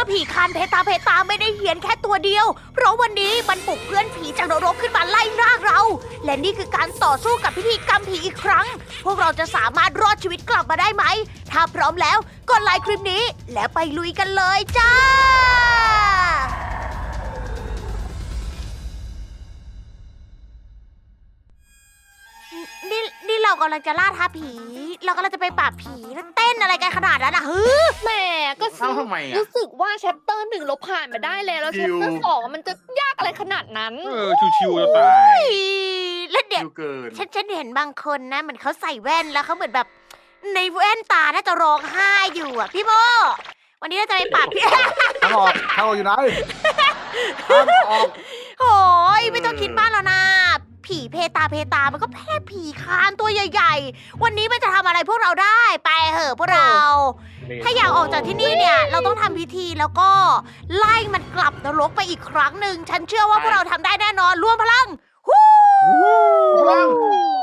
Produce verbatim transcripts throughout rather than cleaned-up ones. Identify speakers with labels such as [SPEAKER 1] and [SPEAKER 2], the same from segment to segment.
[SPEAKER 1] ผีคานเพตาเพตาไม่ได้เหียนแค่ตัวเดียว เพราะวันนี้มันปลุกเพื่อนผีจากนรกขึ้นมาไล่ล่าเรา และนี่คือการต่อสู้กับพิธีกรรมผีอีกครั้ง พวกเราจะสามารถรอดชีวิตกลับมาได้ไหม ถ้าพร้อมแล้วกดไลค์คลิปนี้ แล้วไปลุยกันเลยจ้า นี่นี่เรากำลังจะล่าท้าผี เรากำลังจะไปปราบผีแล้วเต้นอะไรกันขนาดนั้นอ่ะฮึ
[SPEAKER 2] แหมก็
[SPEAKER 3] เอ้าทำไมอ่ะ
[SPEAKER 2] รู้สึกว่าแชปเตอร์หนึ่งเราผ่านมาได้แล้วแล้ว
[SPEAKER 3] ชิ
[SPEAKER 2] แชป
[SPEAKER 3] ว
[SPEAKER 2] เตอร์สองมันจะยากอะไรขนาดนั้น
[SPEAKER 4] เออชิวๆจะตาย
[SPEAKER 1] แล้วเดี๋ยว
[SPEAKER 3] ดูเกิน
[SPEAKER 1] ฉันฉันเห็นบางคนนะเหมือนเขาใส่แว่นแล้วเขาเหมือนแบบในแว่นตาน่าจะร้องไห้อยู่อ่ะพี่โมวันนี้เราจะไปปราบพี่
[SPEAKER 5] ทางออกทางออกอยู่ไหนทางออก
[SPEAKER 1] โอ้ยไม่ต้องคิดมากแล้วนะ ผีเพตาเพตามันก็แค่ผีคานตัวใหญ่ๆ วันนี้มันจะทำอะไรพวกเราได้ไปเหอะพวกเรา ถ้าอยากออกจากที่นี่เนี่ย เราต้องทำพิธีแล้วก็ไล่มันกลับนรกไปอีกครั้งหนึ่ง ฉันเชื่อว่าพวกเราทำได้แน่นอนรวมพลังฮู้
[SPEAKER 5] พลัง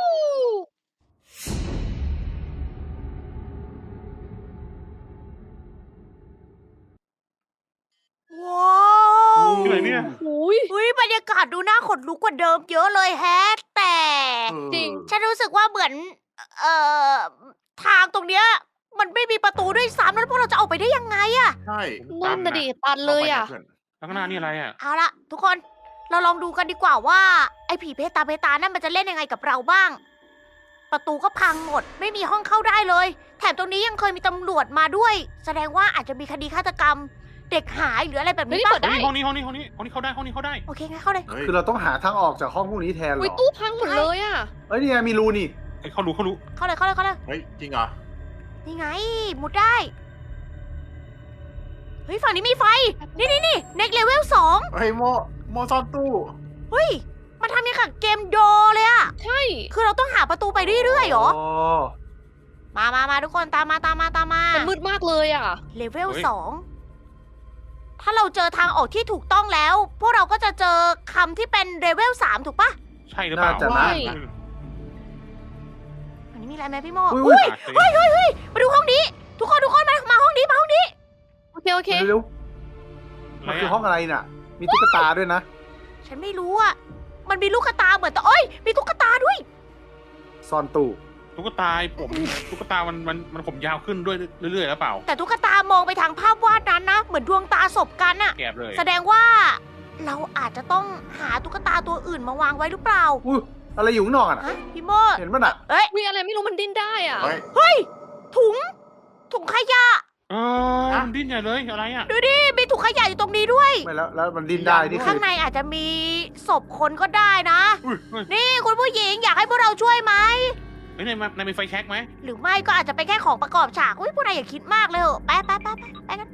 [SPEAKER 1] ว้าว
[SPEAKER 4] ที่ไหนเนี่ย
[SPEAKER 2] อุ้ย
[SPEAKER 1] เฮ้ยบรรยากาศดูน่าขนลุกกว่าเดิมเยอะเลยแฮะ แต่
[SPEAKER 2] จริง
[SPEAKER 1] ฉันรู้สึกว่าเหมือน เอ่อ ทางตรงเนี้ย มันไม่มีประตูด้วยซ้ำแล้วพวกเราจะออกไปได้ยังไงอะ
[SPEAKER 3] ใช่
[SPEAKER 2] นั่นน่ะดิตันเลยอ่ะ
[SPEAKER 4] ข้างหน้านี่อะไรอ่ะ
[SPEAKER 1] เอาละทุกคน เราลองดูกันดีกว่าว่า ไอ้ผีเพตาเพตานั่นมันจะเล่นยังไงกับเราบ้าง ประตูก็พังหมด ไม่มีห้องเข้าได้เลย แถมตรงนี้ยังเคยมีตำรวจมาด้วย แสดงว่าอาจจะมีคดีฆาตกรรม เด็กหายหรืออะไรแบบ
[SPEAKER 2] เฮ้
[SPEAKER 1] นี้
[SPEAKER 2] ย
[SPEAKER 1] ป่ะ
[SPEAKER 2] เปิดได้
[SPEAKER 4] ห้องนี้ห้องนี้ห้องนี้ห้องนี้เข้าได้ห้องนี้เข้าได้
[SPEAKER 1] โอเคงั้นเข้าเลย
[SPEAKER 3] เฮ้ย
[SPEAKER 5] คือเราต้องหาทางออกจากห้องพวกนี้แทนเหร
[SPEAKER 2] อุ้ย
[SPEAKER 5] อ
[SPEAKER 2] ตู้พังหมดเลยอ่ะ
[SPEAKER 5] เอ้ยนี่ไงมีรูนี่
[SPEAKER 4] เอ้ยเขารู้เขารู้
[SPEAKER 1] เข้าเลยเข้าเลยเข้าเลย
[SPEAKER 3] เฮ้ยจริงเหรอ
[SPEAKER 1] นี่ไง มุดได้ เฮ้ยฝั่งนี้มีไฟ นี่นี่นี่เน็กเลเวลสอง
[SPEAKER 3] เฮ้ยโมโมซ่อนตู้
[SPEAKER 1] เฮ้ย มันทำยังกับเกมโดเลยอะ
[SPEAKER 2] ใช่
[SPEAKER 1] คือเราต้องหาประตูไปเรื่อยๆเหรอ
[SPEAKER 5] อ๋อ
[SPEAKER 1] มามามาทุกคนตามมาตามมาตามมา
[SPEAKER 2] มันมืดมากเลยอ่ะ
[SPEAKER 1] เลเวลสองถ้าเราเจอทางออกที่ถูกต้องแล้ว พวกเราก็จะเจอคำที่เป็นเลเวลสามถูกปะ
[SPEAKER 4] ใช่หรือเปล่า
[SPEAKER 5] น่าจะ
[SPEAKER 2] ใช่
[SPEAKER 5] นะ
[SPEAKER 1] อันนี้มีอะไรไหมพี่โม
[SPEAKER 5] อุ้
[SPEAKER 1] อุ้
[SPEAKER 5] ย
[SPEAKER 1] ยเฮ้ยเฮ้ยเฮ้ยมาดูห้องนี้ ทุกคนทุกคนมามาห้องนี้มาห้องนี้
[SPEAKER 2] โอเคโอเค
[SPEAKER 5] เร็ว
[SPEAKER 4] อะไร
[SPEAKER 5] ๆมันคือ
[SPEAKER 4] อะ
[SPEAKER 5] ห้องอะไรน่ะ มีตุ๊กตาด้วยนะ
[SPEAKER 1] ฉันไม่รู้อะมันมีลูกตาเหมือนแต่เอ้ยมีตุ๊กตาด้วย
[SPEAKER 5] ซ่อนตู้
[SPEAKER 4] ตุ๊กตาผมตุ๊กตามันมันมันผมยาวขึ้นด้วยเรื่อยๆแล้วเปล่า
[SPEAKER 1] แต่ตุ๊กตามองไปทางภาพวาดนั้นนะ เหมือนดวงตาศพกันอะ
[SPEAKER 4] แกบเลย
[SPEAKER 1] แสดงว่า เราอาจจะต้องหาตุ๊กตาตัวอื่นมาวางไว้หรือเปล่า
[SPEAKER 5] อุ้ยอะไรอยู่ข้างนอกอ่ะ
[SPEAKER 1] ฮะพี่โม
[SPEAKER 5] เห็นป่ะน่ะ
[SPEAKER 1] เอ้ย
[SPEAKER 2] มีอะไรไม่รู้มันดิ้นได้อ่ะ
[SPEAKER 3] เฮ้ย
[SPEAKER 1] เฮ้ยถุง ถุงขยะ
[SPEAKER 4] เออมันดิ้นใหญ่เลยอะไรอ่ะ
[SPEAKER 1] ดูดิมีถุงขยะอยู่ตรงนี้ด้วย
[SPEAKER 5] ไม่แล้วแล้วมันดิ้นได้นี่คื
[SPEAKER 1] ข้าง
[SPEAKER 5] อ
[SPEAKER 1] ในอาจจะมีศพคนก็ได้นะ
[SPEAKER 4] อุ้ยเฮ้ย
[SPEAKER 1] นี่คุณผู้หญิงอยากให้พวกเราช่วยไหม
[SPEAKER 4] เฮ้ยนายมานายมีไฟแช็กไหม
[SPEAKER 1] หรือไม่ก็อาจจะเป็นแค่ของประกอบฉากอุ้ยพวกนายอย่าคิดมากเลยเหอะไปไปไปไปไปกัน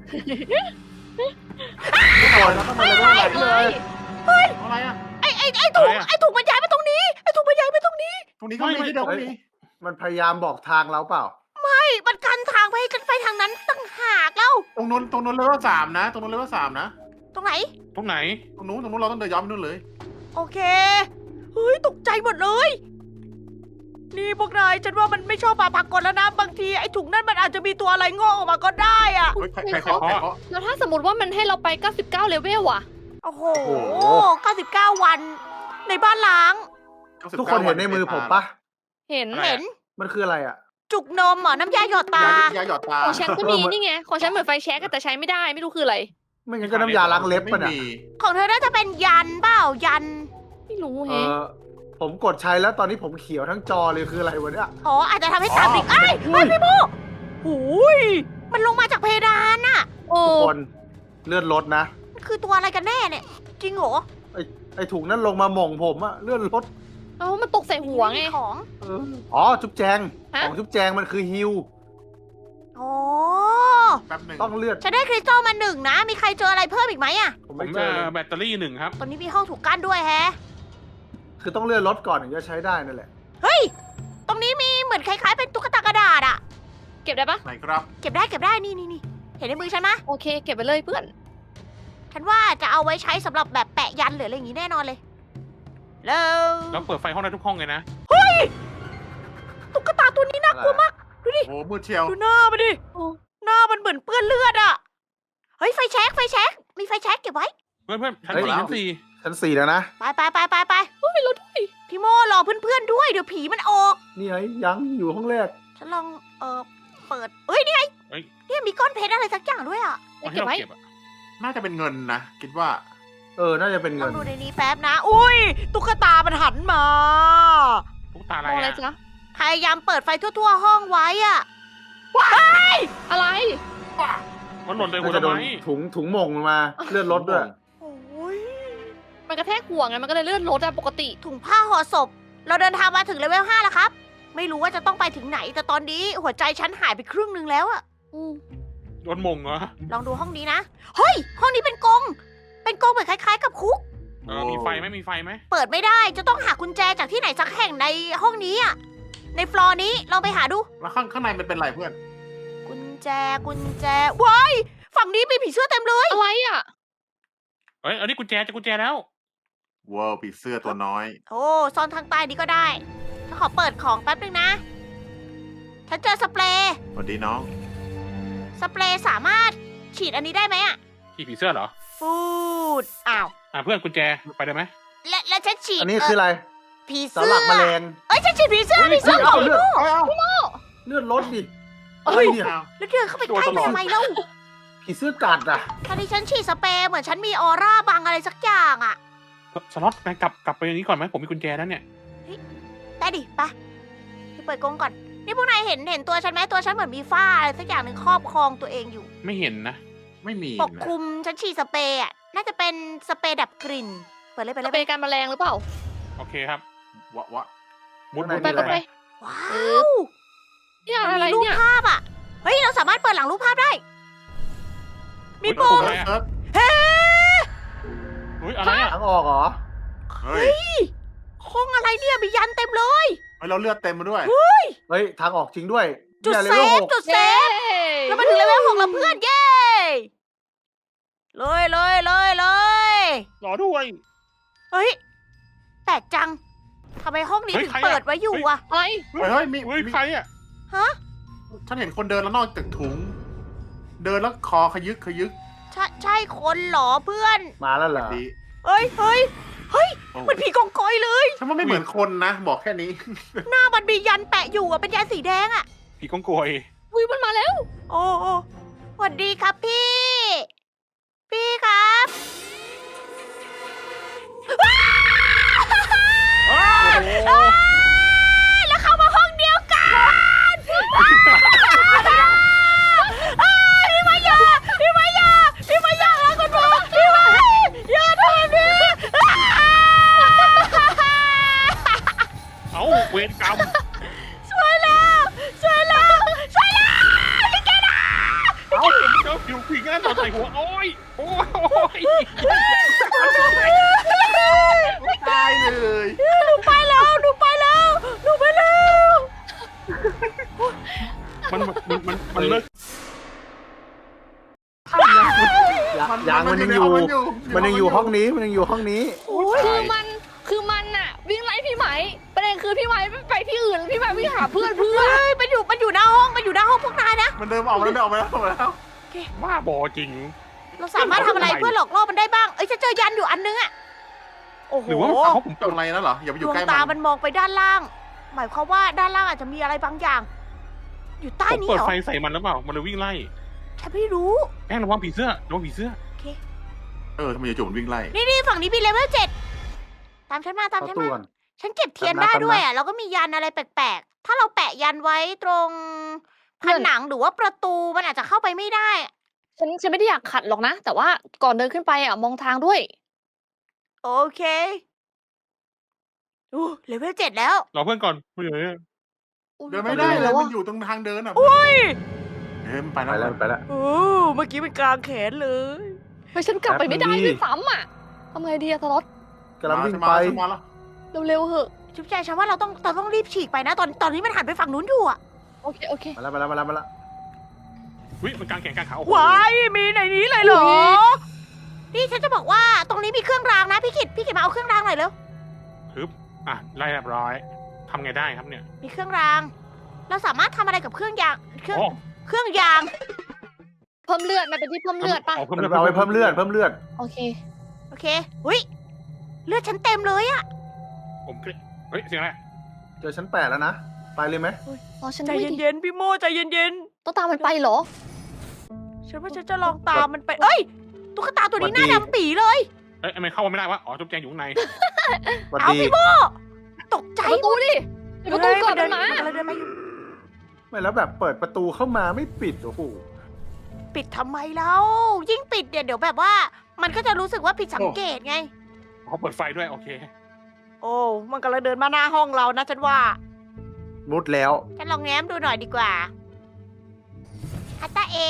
[SPEAKER 5] ทุกคนแล้วก็มาเลยว่าไหนเลย
[SPEAKER 3] อะไรอ่ะ
[SPEAKER 1] ไอไอไอถุงไอถุงมันย้ายมาตรงนี้ไอถุงมันย้ายมาตรงนี้
[SPEAKER 3] ตรงนี้ก็มีที่เดียวก็มี
[SPEAKER 5] มันพยายามบอกทางเราเปล่า
[SPEAKER 1] ไอมันกันทางไปให้กันไปทางนั้นตั้งหากแล้ว
[SPEAKER 3] ตรงนู้นตรงนู้นเลเวลสามนะ ตรงนู้นเลเวลสามนะ
[SPEAKER 1] ตรงไหน
[SPEAKER 4] ตรงไหน
[SPEAKER 3] ตรงนู้นตรงนู้นเราต้องเดินย้อนไปนู่นเลย
[SPEAKER 1] โอเค เฮ้ย ตกใจหมดเลย นี่พวกนายฉันว่ามันไม่ชอบปลาผักกลแล้วนะ บางทีไอ้ถุงนั่นมันอาจจะมีตัวอะไรงอกออกมาก็ได้อะ
[SPEAKER 3] เฮ้ยใครใครเคาะใครเคาะ
[SPEAKER 2] แล้วถ้าสมมติว่ามันให้เราไปเก้าสิบเก้าเลเวลอ่ะ
[SPEAKER 1] โอ้โห
[SPEAKER 5] โอ้โห
[SPEAKER 1] เก้าสิบเก้าวัน ในบ้านล้าง
[SPEAKER 5] ทุกคนเห็นในมือผมปะ
[SPEAKER 2] เห็น
[SPEAKER 1] เห็น
[SPEAKER 5] มันคืออะไรอ่ะ
[SPEAKER 1] จุกนมเหรอ น้ำยาหยอดตา
[SPEAKER 3] ยายาหยอดตา
[SPEAKER 2] ของฉันก็มี
[SPEAKER 5] เออมัน
[SPEAKER 2] นี่ไง ของฉันเหมือนไฟแช็กอะแต่ใช้ไม่ได้ ไม่รู้คืออะไร
[SPEAKER 5] ไม่งั้นก็น้ำยาล้างเล็บ
[SPEAKER 3] ไม่
[SPEAKER 5] ป่ะน่ะ
[SPEAKER 3] มี
[SPEAKER 1] ของเธอน่าจะเป็นยันเปล่า ยัน
[SPEAKER 2] ไม่รู้
[SPEAKER 5] เอ
[SPEAKER 2] แฮะ
[SPEAKER 5] อผมกดใช้แล้วตอนนี้ผมเขียวทั้งจอเลยคืออะไรวะเนี่ย
[SPEAKER 1] อ๋อ อาจจะทำให้ตาดิกเอ้ย
[SPEAKER 5] อุ้
[SPEAKER 1] เฮ้ย
[SPEAKER 5] ย
[SPEAKER 1] พี่โมหูยมันลงมาจากเพดานน่ะ
[SPEAKER 2] โอ้
[SPEAKER 5] ทุกคนเลื่อนรถนะ
[SPEAKER 1] มันคือตัวอะไรกันแน่เนี่ย จริงเหรอ
[SPEAKER 5] ไอไอถุงนั้นลงมาหม่งผมอะเลื่อนรถ
[SPEAKER 2] เอามันตกใส่หัวไง
[SPEAKER 1] ของ
[SPEAKER 5] เอออ๋อจุ๊บแจง
[SPEAKER 2] ฮะ
[SPEAKER 5] ของจุ๊บแจงมันคือฮิว
[SPEAKER 1] อ๋อ
[SPEAKER 3] แป๊บหนึ่ง
[SPEAKER 5] ต้องเลือด
[SPEAKER 1] ฉันได้คริสตัลมาหนึ่งนะ มีใครเจออะไรเพิ่มอีกไหมอะ
[SPEAKER 5] ผม
[SPEAKER 4] ผม
[SPEAKER 5] ไม่เจ
[SPEAKER 4] เอ่
[SPEAKER 5] อเล
[SPEAKER 4] อย แบตเตอรี่หนึ่งครับ
[SPEAKER 1] ตอนนี้มีห้องถูกกั้นด้วยแฮะ
[SPEAKER 5] คือต้องเลื่อนรถก่อนถึงจะใช้ได้นั่นแหละ
[SPEAKER 1] เฮ้ย ตรงนี้มีเหมือนคล้ายๆเป็นตุ๊กตากระดาษอะ
[SPEAKER 2] เก็บได้ปะ
[SPEAKER 3] ไหนครับ
[SPEAKER 1] เก็บได้เก็บได้นี่นี่นี่เห็นในมือฉันไหมะ
[SPEAKER 2] โอเค เก็บไปเลยเพื่อน
[SPEAKER 1] ฉันว่าจะเอาไว้ใช้สำหรับแบบแปะยันหรืออะไรอย่างงี้แน่นอนเลย แล้ว
[SPEAKER 4] แล้วเปิดไฟห้องได้ทุกห้องเลยนะ
[SPEAKER 1] ตุ๊กตาตัวนี้น่ากลัวมาก
[SPEAKER 3] โอ้มืดเชียว
[SPEAKER 1] ดูหน้ามันดิ
[SPEAKER 2] โอ้
[SPEAKER 1] หน้ามันเหมือนเปื้อนเลือดอะเฮ้ยไฟแช็กไฟแช็กมีไฟแช็กเก็บไว้
[SPEAKER 4] เพื่อนเพื่อนชั้น
[SPEAKER 5] เฮ้ย
[SPEAKER 4] สี่ชั้นสี่
[SPEAKER 5] ชั้นสี่แล้วนะ
[SPEAKER 1] ไปไปไปไปไป
[SPEAKER 2] เฮ้ยเราด้วย
[SPEAKER 1] พี่โมรอเพื่อนๆด้วยเดี๋ยวผีมันออก
[SPEAKER 5] นี่ไงยังอยู่ห้องแรก
[SPEAKER 1] ฉันลองเออเปิดเอ้ยนี่ไง
[SPEAKER 4] เฮ้ย
[SPEAKER 1] เนี่ยมีก้อนเพชรอะไรสักอย่างด้วยอ่ะ
[SPEAKER 4] เอาให้เราเก็บอะ
[SPEAKER 3] น่าจะเป็นเงินนะ คิดว่า
[SPEAKER 5] เออ น่าจะเป็น
[SPEAKER 1] ล
[SPEAKER 5] เงิ
[SPEAKER 1] อง
[SPEAKER 5] น
[SPEAKER 1] ดูในนี้แป๊บนะ อุ้ยตุ๊กตามันหันมา
[SPEAKER 4] ตุ๊กตาอะไร
[SPEAKER 2] มองอะไร
[SPEAKER 4] อะ
[SPEAKER 2] จ๊ะ
[SPEAKER 1] พยายามเปิดไฟทั่วๆห้องไว้อะ
[SPEAKER 2] อะไร
[SPEAKER 4] มันหล่นใส่หั
[SPEAKER 5] น่าว จะ
[SPEAKER 4] ทำ
[SPEAKER 5] โด
[SPEAKER 4] ไม
[SPEAKER 5] นถุงถุงหม่งมา เลือดรถด้วย
[SPEAKER 1] โอ้ย
[SPEAKER 2] มันกระแทกหัวไงมันก็เลยเลื่อนรถอะปกติ
[SPEAKER 1] ถุงผ้าห่อศพ เราเดินทางมาถึงเลเวลห้าแล้วครับ ไม่รู้ว่าจะต้องไปถึงไหน แต่ตอนนี้หัวใจฉันหายไปครึ่งหนึงแล้วอะ
[SPEAKER 2] อืม
[SPEAKER 4] โดนมงเหรอ
[SPEAKER 1] ลองดูห้องนี้นะ เฮ้ย ห้องนี้เป็นกรงเป็นกรงเหมือนคล้ายๆกับคุก
[SPEAKER 4] เออมีไฟไหมมีไฟไหม
[SPEAKER 1] เปิดไม่ได้ จะต้องหากุญแจจากที่ไหนสักแห่งในห้องนี้อะในฟลอร์นี้ลองไปหาดู
[SPEAKER 3] แล้วข้างข้างในมันเป็นอะไรเพื่อน
[SPEAKER 1] กุญแจ กุญแจ ว้าย ฝั่งนี้มีผีเสื้อเต็มเลย
[SPEAKER 2] อะไรอะ
[SPEAKER 4] เอ้ยอันนี้กุญแจจะกุญแจแล้ว
[SPEAKER 3] ว้าวผีเสื้อตัวน้อย
[SPEAKER 1] โอ้ซ่อนทางใต้นี้ก็ได้ฉันขอเปิดของแป๊บนึงนะ ฉันเจอสเปรย์
[SPEAKER 3] สวัสดีน้อง
[SPEAKER 1] สเปรย์สามารถฉีดอันนี้ได้ไหมอะ
[SPEAKER 4] ที่ผีเสื้อเหรอ
[SPEAKER 1] ฟูด อ้าว
[SPEAKER 4] อ่ะเพื่อนกุญแจไปได้ไหม
[SPEAKER 1] และและฉันฉีด
[SPEAKER 5] อันนี้คืออะไร
[SPEAKER 1] ผี
[SPEAKER 5] สา
[SPEAKER 1] เสื้
[SPEAKER 5] หลักแมลง
[SPEAKER 1] เอ้ยฉันฉีดผีเสื้อผีเสื้อ
[SPEAKER 5] เฮ้ย
[SPEAKER 1] ของ
[SPEAKER 5] เอาเลือด
[SPEAKER 3] เอาเอา
[SPEAKER 5] เลือดรถดิ
[SPEAKER 1] เอ้
[SPEAKER 5] เฮ้
[SPEAKER 1] ย
[SPEAKER 5] ยเนี่ย
[SPEAKER 1] แล้วเดินเข้าไปใกล้มันทำไมเล่า
[SPEAKER 5] ผีเสื้อกัดอ่ะ
[SPEAKER 1] ตอนนี้ฉันฉีดสเปรย์เหมือนฉันมีออร่าบังอะไรสักอย่างอะ
[SPEAKER 4] สล็อตไปกลับกลับไปนี้ก่อนไหมผมมีกุญแจแล้วเนี่ย
[SPEAKER 1] ได้ดิไปไปเปิดกรงก่อน นี่พวกนายเห็นเห็นตัวฉันไหมตัวฉันเหมือนมีฝ้าอะไรสักอย่างหนึ่งครอบครองตัวเองอยู่
[SPEAKER 4] ไม่เห็นนะ
[SPEAKER 3] ไม่มี
[SPEAKER 1] ปก
[SPEAKER 3] นะ
[SPEAKER 1] คลุมฉันฉีดสเปรย์อะน่าจะเป็นสเปรย์ดับกลิ่น เปิดเลยเปิดเลย
[SPEAKER 2] เป็นการแมลงหรือเปล่า
[SPEAKER 4] โอเคครับ
[SPEAKER 3] วะวะ
[SPEAKER 4] มุด
[SPEAKER 5] ข้าง
[SPEAKER 4] มุด
[SPEAKER 5] ใน
[SPEAKER 2] ไป
[SPEAKER 5] มี
[SPEAKER 2] ไป
[SPEAKER 5] อะไร
[SPEAKER 2] ไป
[SPEAKER 1] ว้า
[SPEAKER 2] เอ
[SPEAKER 1] ว
[SPEAKER 2] เนี่ย
[SPEAKER 1] มัน
[SPEAKER 2] อะไร
[SPEAKER 1] มีรูป
[SPEAKER 2] เนี่ย
[SPEAKER 1] ภาพอ่ะ เฮ้ย เราสามารถเปิดหลังรูปภาพได้ มี
[SPEAKER 4] เฮ้ย
[SPEAKER 1] ปุ่ม
[SPEAKER 4] อะไรอะ
[SPEAKER 3] เอิร์ธ
[SPEAKER 1] เฮ้
[SPEAKER 4] เฮ้ยอะไรอะ
[SPEAKER 5] ทางออกเหรอ
[SPEAKER 3] เฮ้ย
[SPEAKER 1] ห้องอะไรเนี่ย มียันเต็มเลย
[SPEAKER 3] เฮ้ยเราเลือดเต็มมาด้วย
[SPEAKER 5] เฮ้ย ทางออกจริงด้วย
[SPEAKER 1] จุด
[SPEAKER 5] นี่ย
[SPEAKER 1] เซ
[SPEAKER 5] ลวล
[SPEAKER 1] ฟ
[SPEAKER 5] หก
[SPEAKER 1] จุดเซ
[SPEAKER 2] เย้
[SPEAKER 1] ฟ แล้วมาถึงเลเวลหกแล้วเพื่อน เย้ เลยเลยเลยเลย
[SPEAKER 4] รอด้วย
[SPEAKER 1] เฮ้ย แปลกจัง ทำไมห้องนี้
[SPEAKER 4] เฮ้ย
[SPEAKER 1] ถึง
[SPEAKER 4] ใครอะ
[SPEAKER 1] เปิดไว้อยู่อะ
[SPEAKER 2] อะไร
[SPEAKER 3] เฮ้ยเฮ้ยมี
[SPEAKER 4] เฮ้ย
[SPEAKER 3] มี
[SPEAKER 4] ใครอะ
[SPEAKER 1] ฮะ
[SPEAKER 3] ฉันเห็นคนเดินแล้วนอกจากถุง เดินแล้วคอขยึกขยึก
[SPEAKER 1] ใช่ใช่คนเหรอเพื่อน
[SPEAKER 5] มาแล้วเหรอ
[SPEAKER 3] ดี
[SPEAKER 1] เฮ้ยเฮ้ยเฮ้ย
[SPEAKER 3] โอ้
[SPEAKER 1] เหมันผีกองกอยเลย
[SPEAKER 3] ฉันว่าไม่เหมือนคนนะ บอกแค่นี้
[SPEAKER 1] หน้ามันมียันแปะอยู่อะเป็นยันสีแดงอะ
[SPEAKER 4] ผีกองโกย
[SPEAKER 2] อุ้ยมันมาแล้ว
[SPEAKER 1] โอ้โอ้สวัสดีครับพี่ พี่ครับ
[SPEAKER 4] โอ้โห
[SPEAKER 1] อ้ายแล้วเข้ามาห้องเดียวกันอ้ายพี่มายาพี่มายาพี่มายาแล้วกันมาพี่มายอย่าทำแบบนี้อ้าย
[SPEAKER 4] เอ้าเวรกรรม
[SPEAKER 1] ช่วยแล้วช่วยแล้วช่วยแล้วพี่แกนะ
[SPEAKER 4] เอ้าเจ้าผิวผีงั้นต่อใส่หัวโอ้ยโอ้ย
[SPEAKER 3] ตายเลย
[SPEAKER 1] หนูไปแล้วหนูไปแล้วหนูไปแล้ว
[SPEAKER 4] มันมันมันมันเลิก
[SPEAKER 5] ยางยางมันยังอยู่ มันยังอยู่ห้องนี้ มันยังอยู่ห้องนี้
[SPEAKER 2] คือมันคือมันอะวิ่งไล่พี่ไหมประเด็นคือพี่ไหมไม่ไปที่อื่นพี่ไหมวิ่งหาเพื่อนเพื่อน
[SPEAKER 1] เฮ้ยมันอยู่มันอยู่หน้าห้องมันอยู่หน้าห้องพวกนายนะ
[SPEAKER 3] มันเดินออกมาแล้วเดินออกมาแล้วออกมาแล้ว
[SPEAKER 4] บ้าบอจริง
[SPEAKER 1] เราสามารถทำอะไรเพื่อหลอกล่อมันได้บ้างเอ้ยจะเจอยันอยู่อันนึงอะโอ้โห
[SPEAKER 4] หรือว่ามันเขาผม
[SPEAKER 3] ตรงอะไรนั่นเหรอ อย่าไปอ
[SPEAKER 1] ด
[SPEAKER 3] ยู่
[SPEAKER 1] วง
[SPEAKER 3] ใกล้
[SPEAKER 1] ตา
[SPEAKER 3] มั
[SPEAKER 1] มัน นมองไปด้านล่าง หมายความว่าด้านล่างอาจจะมีอะไรบางอย่าง อยู่ใต้
[SPEAKER 4] ผม
[SPEAKER 1] นี้
[SPEAKER 4] เปิด
[SPEAKER 1] เหรอ
[SPEAKER 4] ไฟใส่มันแล้วเปล่ามันเลยวิ่งไล่
[SPEAKER 1] ฉันไม่รู้
[SPEAKER 4] แป้งระวังผีเสื้อระวังผีเสื้อ
[SPEAKER 3] เออทำไมจู่ๆมันวิ่งไล่
[SPEAKER 1] นี่นี่ฝั่งนี้มีเลเวลเจ็ดตามฉันมาตาม
[SPEAKER 5] เข้า
[SPEAKER 1] ฉัน
[SPEAKER 5] ตู้
[SPEAKER 1] มา
[SPEAKER 5] ก่อน
[SPEAKER 1] ฉันเก็บเทียน
[SPEAKER 5] ตาม
[SPEAKER 1] ได้
[SPEAKER 5] มา
[SPEAKER 1] ด้วย
[SPEAKER 5] ตามมา
[SPEAKER 1] อ่ะแล้วก็มียันอะไรแปลกๆ ถ้าเราแปะยันไว้ตรงผนังหรือว่าประตูมันอาจจะเข้าไปไม่ได้
[SPEAKER 2] ฉันฉันไม่ได้อยากขัดหรอกนะ แต่ว่าก่อนเดินขึ้นไปอะมองทางด้วย
[SPEAKER 1] โอเคอู้เลเวลเจ็ดแล้ว
[SPEAKER 4] รอเพื่อนก่อนเพื่อน
[SPEAKER 3] เดินไม่ได้
[SPEAKER 2] เล
[SPEAKER 3] เลย ย
[SPEAKER 2] วะ
[SPEAKER 3] มันอยู่ตรงทางเดินอ่ะ
[SPEAKER 1] อุ้ย
[SPEAKER 3] เดินไป
[SPEAKER 5] ไป
[SPEAKER 3] แล้
[SPEAKER 5] แล้ว วไปแล้ว
[SPEAKER 1] โอ้เมื่อกี้เป็นกลางแขนเลย
[SPEAKER 2] เฮ้ยฉันกลับไปไม่ได้
[SPEAKER 5] แป๊บนึงดิ
[SPEAKER 2] ด้วยซ้ำอะทำไงดีอะทารอส
[SPEAKER 5] กำลังวิ่ง
[SPEAKER 3] มา
[SPEAKER 5] ไป
[SPEAKER 3] มาแล้ว
[SPEAKER 2] เร็วๆเหอะ
[SPEAKER 1] จุ๊บใจฉันว่าเราต้องเราต้องรีบฉีกไปนะ ตอนตอนนี้มันหันไปฝั่งนู้นอยู่อ่ะ
[SPEAKER 2] โอเคโอเค
[SPEAKER 5] มาแล้วมาแล้วมาแล้วมาแล้ว
[SPEAKER 4] วิมันกลางแขนกลางขาโอ้โห
[SPEAKER 1] วายมีในนี้เลยเหรอ นี่ฉันจะบอกว่าตรงนี้มีเครื่องรางนะพี่กิตพี่กิตมาเอาเครื่องรางหน่อยเร็ว
[SPEAKER 4] ฮึบอ่ะไล่เรียบร้อยทำไงได้ครับเนี่ย
[SPEAKER 1] มีเครื่องราง เราสามารถทำอะไรกับเครื่องยางเครื่อง
[SPEAKER 4] โอ้
[SPEAKER 1] เครื่องยาง
[SPEAKER 2] เพิ่มเลือดมันเป็นที่เพิ่มเลือดปะ
[SPEAKER 4] เอาเพิ่ม
[SPEAKER 5] มัน
[SPEAKER 4] เลือด
[SPEAKER 5] เอาไปเพิ่มเลือดเพิ่มเลือด
[SPEAKER 2] โอเค
[SPEAKER 1] โอเคหุยเลือดฉันเต็มเลยอะ
[SPEAKER 4] ผมเฮ้ยเสียงอะไร
[SPEAKER 5] เจอชั้นแปดแล้วนะ ไปเลยไหม
[SPEAKER 2] รอฉัน
[SPEAKER 1] ใจ
[SPEAKER 2] ด้วยดิ
[SPEAKER 1] เย็นๆพี่โมใจเย็น
[SPEAKER 2] ต้องตามมันไปเหรอ
[SPEAKER 1] ๆฉันว่าฉันจะลองตามมันไปเอ้ยตุ๊กตาตัวนี้หน้าดำปีเลย
[SPEAKER 4] เอ้ยทำไมเข้ามาไม่ได้วะอ๋อจุ๊บแจงอยู่ข้างใน
[SPEAKER 5] สวัส
[SPEAKER 1] เอา
[SPEAKER 5] ดี
[SPEAKER 1] พี่โมตกใจ
[SPEAKER 2] ประตูดิประตูก่อน
[SPEAKER 1] เดิ
[SPEAKER 2] มัน นมา
[SPEAKER 1] มันเดินมาอยู่
[SPEAKER 5] ไม่แล้วแบบเปิดประตูเข้ามาไม่ปิดโอ้โห
[SPEAKER 1] ปิดทำไมแล้ว ยิ่งปิดเนี่ยเดี๋ยวแบบว่า มันก็จะรู้สึกว่าผิดสังเกตไง
[SPEAKER 4] เขาเปิดไฟด้วยโอเค
[SPEAKER 1] โอ้มันกำลังเดินมาหน้าห้องเรานะฉันว่า
[SPEAKER 5] มุดแล้ว
[SPEAKER 1] ฉันลองแง้มดูหน่อยดีกว่าฮัตตาเอ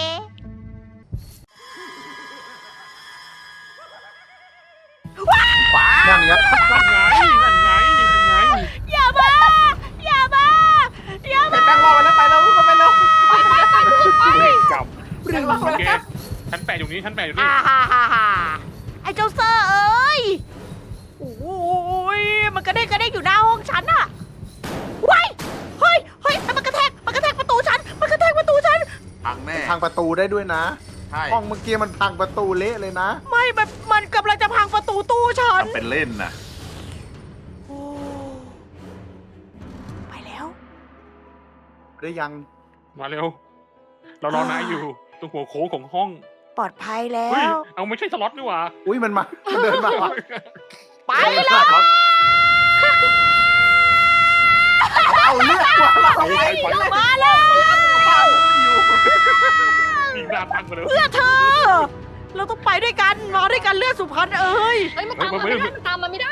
[SPEAKER 5] นั่นไง
[SPEAKER 4] นั่นไงนั่นไงนั่นไง
[SPEAKER 1] อย่ามา อย่ามา อย่ามา
[SPEAKER 3] แป้งรอไปแล้วไปแล้วก็ไปแล้ว
[SPEAKER 2] ไปไปไปทุกคนไป
[SPEAKER 4] จับ
[SPEAKER 3] แป้งรอ
[SPEAKER 4] โอ
[SPEAKER 3] ไป
[SPEAKER 4] เค
[SPEAKER 3] แล้ว
[SPEAKER 4] ชั้นแปดอยู่นี้ชั้นแปดอยู่นี่
[SPEAKER 1] อ่าฮ่าฮ่าฮ่าไอ้เจ้าเซอร์เอ้ย โอ้ยมันกระเด้งกระเด้งอยู่หน้าห้องฉันอะว้ายเฮ้ย เฮ้ย มันกระแทก มันกระแทกประตูฉัน มันกระแทกประตูฉัน
[SPEAKER 3] พังแน่
[SPEAKER 5] พังประตูได้ด้วยนะ
[SPEAKER 3] ใช่
[SPEAKER 5] ห้องเมื่อกี้มันพังประตูเละเลยนะ
[SPEAKER 1] ไม่ มัน มันกำลังจะพังประตูตู้ฉัน
[SPEAKER 3] ทำเป็นเล่นนะ
[SPEAKER 1] โอ้ไปแล้ว
[SPEAKER 5] ได้ยัง
[SPEAKER 4] มาเร็ว เรารอนายอยู่ตรงหัวโค้งของห้อง
[SPEAKER 1] ปลอดภัยแล้
[SPEAKER 4] เฮ้ยว เอาไม่ใช่สล็อตนี่หว่า
[SPEAKER 5] อุ้ยมันมามันเดินมาว่ะ
[SPEAKER 1] ไปเลย
[SPEAKER 5] เอาเลือดว่ะ
[SPEAKER 4] ไปไปไป
[SPEAKER 1] มาแล้ว
[SPEAKER 4] มีหน้าตั้งมาเลย
[SPEAKER 1] เพื่อเธอ เราต้องไปด้วยกัน มาด้วยกันเลือดสุพรรณเอ้ย
[SPEAKER 2] เฮ้ยมันตามมาไม่ได้มันตามมาไม่ได้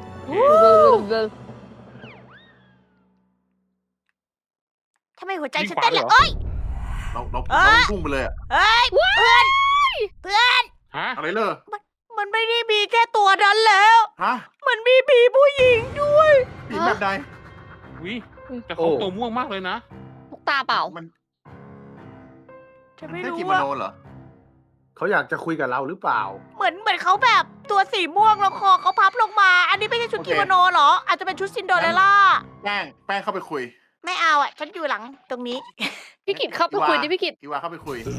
[SPEAKER 1] ทำไมหัวใจฉันเต้นเลยเอ้ย
[SPEAKER 3] เราเรา
[SPEAKER 1] เอ้
[SPEAKER 3] เรา
[SPEAKER 1] ย
[SPEAKER 3] พุ่งไปเลยอะ
[SPEAKER 1] เอ้ย เพื่อน เพื่อน
[SPEAKER 4] ฮะ
[SPEAKER 3] อะไรเลย
[SPEAKER 1] มันไม่ได้มีแค่ตัวนั้นแล้ว
[SPEAKER 3] ฮะ
[SPEAKER 1] มันมีผีผู้หญิงด้วย
[SPEAKER 3] ผีแบบใด
[SPEAKER 4] วิแต่เขาตัวม่วงมากเลยนะ
[SPEAKER 2] ลูกตาเปล่า
[SPEAKER 3] มัน
[SPEAKER 1] ฉันไม่
[SPEAKER 3] แค่
[SPEAKER 1] รู้
[SPEAKER 3] กิโม
[SPEAKER 1] ว่า
[SPEAKER 3] โนเหรอ
[SPEAKER 5] เขาอยากจะคุยกับเราหรือเปล่า
[SPEAKER 1] เหมือนเหมือนเขาแบบตัวสีม่วงแล้วคอเขาพับลงมา อันนี้ไม่ใช่ชุด
[SPEAKER 3] โอเค
[SPEAKER 1] กิโมโนเหรอ อาจจะเป็นชุดซินโดเรลล่า
[SPEAKER 3] แป้งแป้งเข้าไปคุย
[SPEAKER 1] ไม่เอาอ่ะ ฉันอยู่หลังตรงนี้
[SPEAKER 2] พี่กิตเข้าไปคุยดิพี่กิต
[SPEAKER 3] อีวาเข้าไปคุย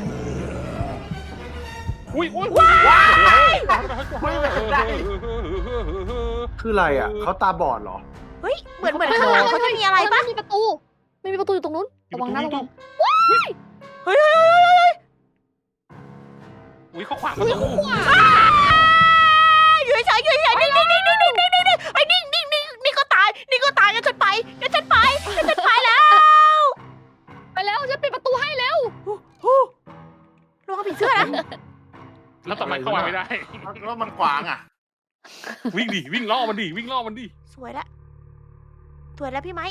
[SPEAKER 4] อุ้ยอุ้ยว้าย
[SPEAKER 5] คืออะไรอ่ะเขาตาบอดเหรอ
[SPEAKER 1] เฮ้ย เหมือนเหมือนข้างหลังเขาจะมีอะไรปะ
[SPEAKER 2] ไม่มีประตู ไม่มีประตูอยู่ตรงนู้น ระวังนะระวัง
[SPEAKER 1] เฮ้ยเฮ้ยเฮ้ยเฮ้ย
[SPEAKER 4] อุ้ยเขาขวางประตู
[SPEAKER 1] อยู่เฉยๆอยู่เฉยๆนิ่งนิ่งนิ่งนิ่งนิ่งนิ่งนิ่งนิ่งไอ้นิ่งนิ่งนิ่งนี่ก็ตาย นี่ก็ตายงั้นฉันไปงั้นฉันไปงั้นฉันไปแล้ว
[SPEAKER 2] ไปแล้วฉันปิดประตูให้แล้ว
[SPEAKER 1] ระวังผีเสื้อนะ
[SPEAKER 4] แล้วทำไมเข้ามาไม่ได้
[SPEAKER 3] แล้วมันขวางอ่ะ
[SPEAKER 4] วิ่งดิวิ่งล่อมันดิวิ่งล่อมันดิ
[SPEAKER 1] สวยแล้วสวยแล้วพี่ไม้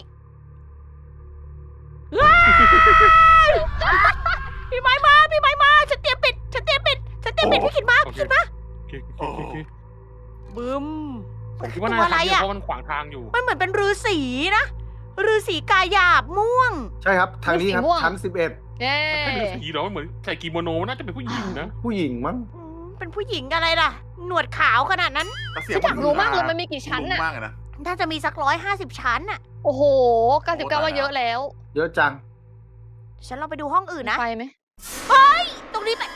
[SPEAKER 1] พี่ไม้มาพี่ไม้มาฉันเตรียมปิดฉันเตรียมปิดฉันเตรียมปิดพี่ขิดมาพี่ขิดมา
[SPEAKER 4] โอเคโอเคโอเค
[SPEAKER 1] บึ้ม
[SPEAKER 4] ผมคิดว่าน่าจะทำเพราะมันขวางทางอยู่
[SPEAKER 1] มันเหมือนเป็นฤาษีนะฤาษีกายหยาบม่วง
[SPEAKER 5] ใช่ครับทางนี้ครับ
[SPEAKER 2] สีม่วง
[SPEAKER 5] ชั้นสิบเอ็ด
[SPEAKER 2] เย้
[SPEAKER 4] มันไม่เป็นสีหรอมันเหมือนใส่กิโมโนน่าจะเป็นผู้หญิงนะ
[SPEAKER 5] ผู้หญิงมั้ง
[SPEAKER 1] อืมเป็นผู้หญิงอะไรล่ะ หนวดขาวขนาดนั้น
[SPEAKER 3] แต่เสีย
[SPEAKER 2] ฉั
[SPEAKER 3] ง
[SPEAKER 2] นอยากรู้มากเลยมันมีกี่ชั้น
[SPEAKER 3] น่ะ
[SPEAKER 2] น่ะ
[SPEAKER 3] มากเลยนะ
[SPEAKER 1] น่าจะมีสักร้อยห้าสิบชั้นน่ะ
[SPEAKER 2] โอ้โหเก้าสิบเก้าว่าเยอะแล้ว
[SPEAKER 5] เยอะจัง
[SPEAKER 1] ฉันลองไปดูห้องอื่นนะ
[SPEAKER 2] ไปไหม
[SPEAKER 1] ตรงนี้ไป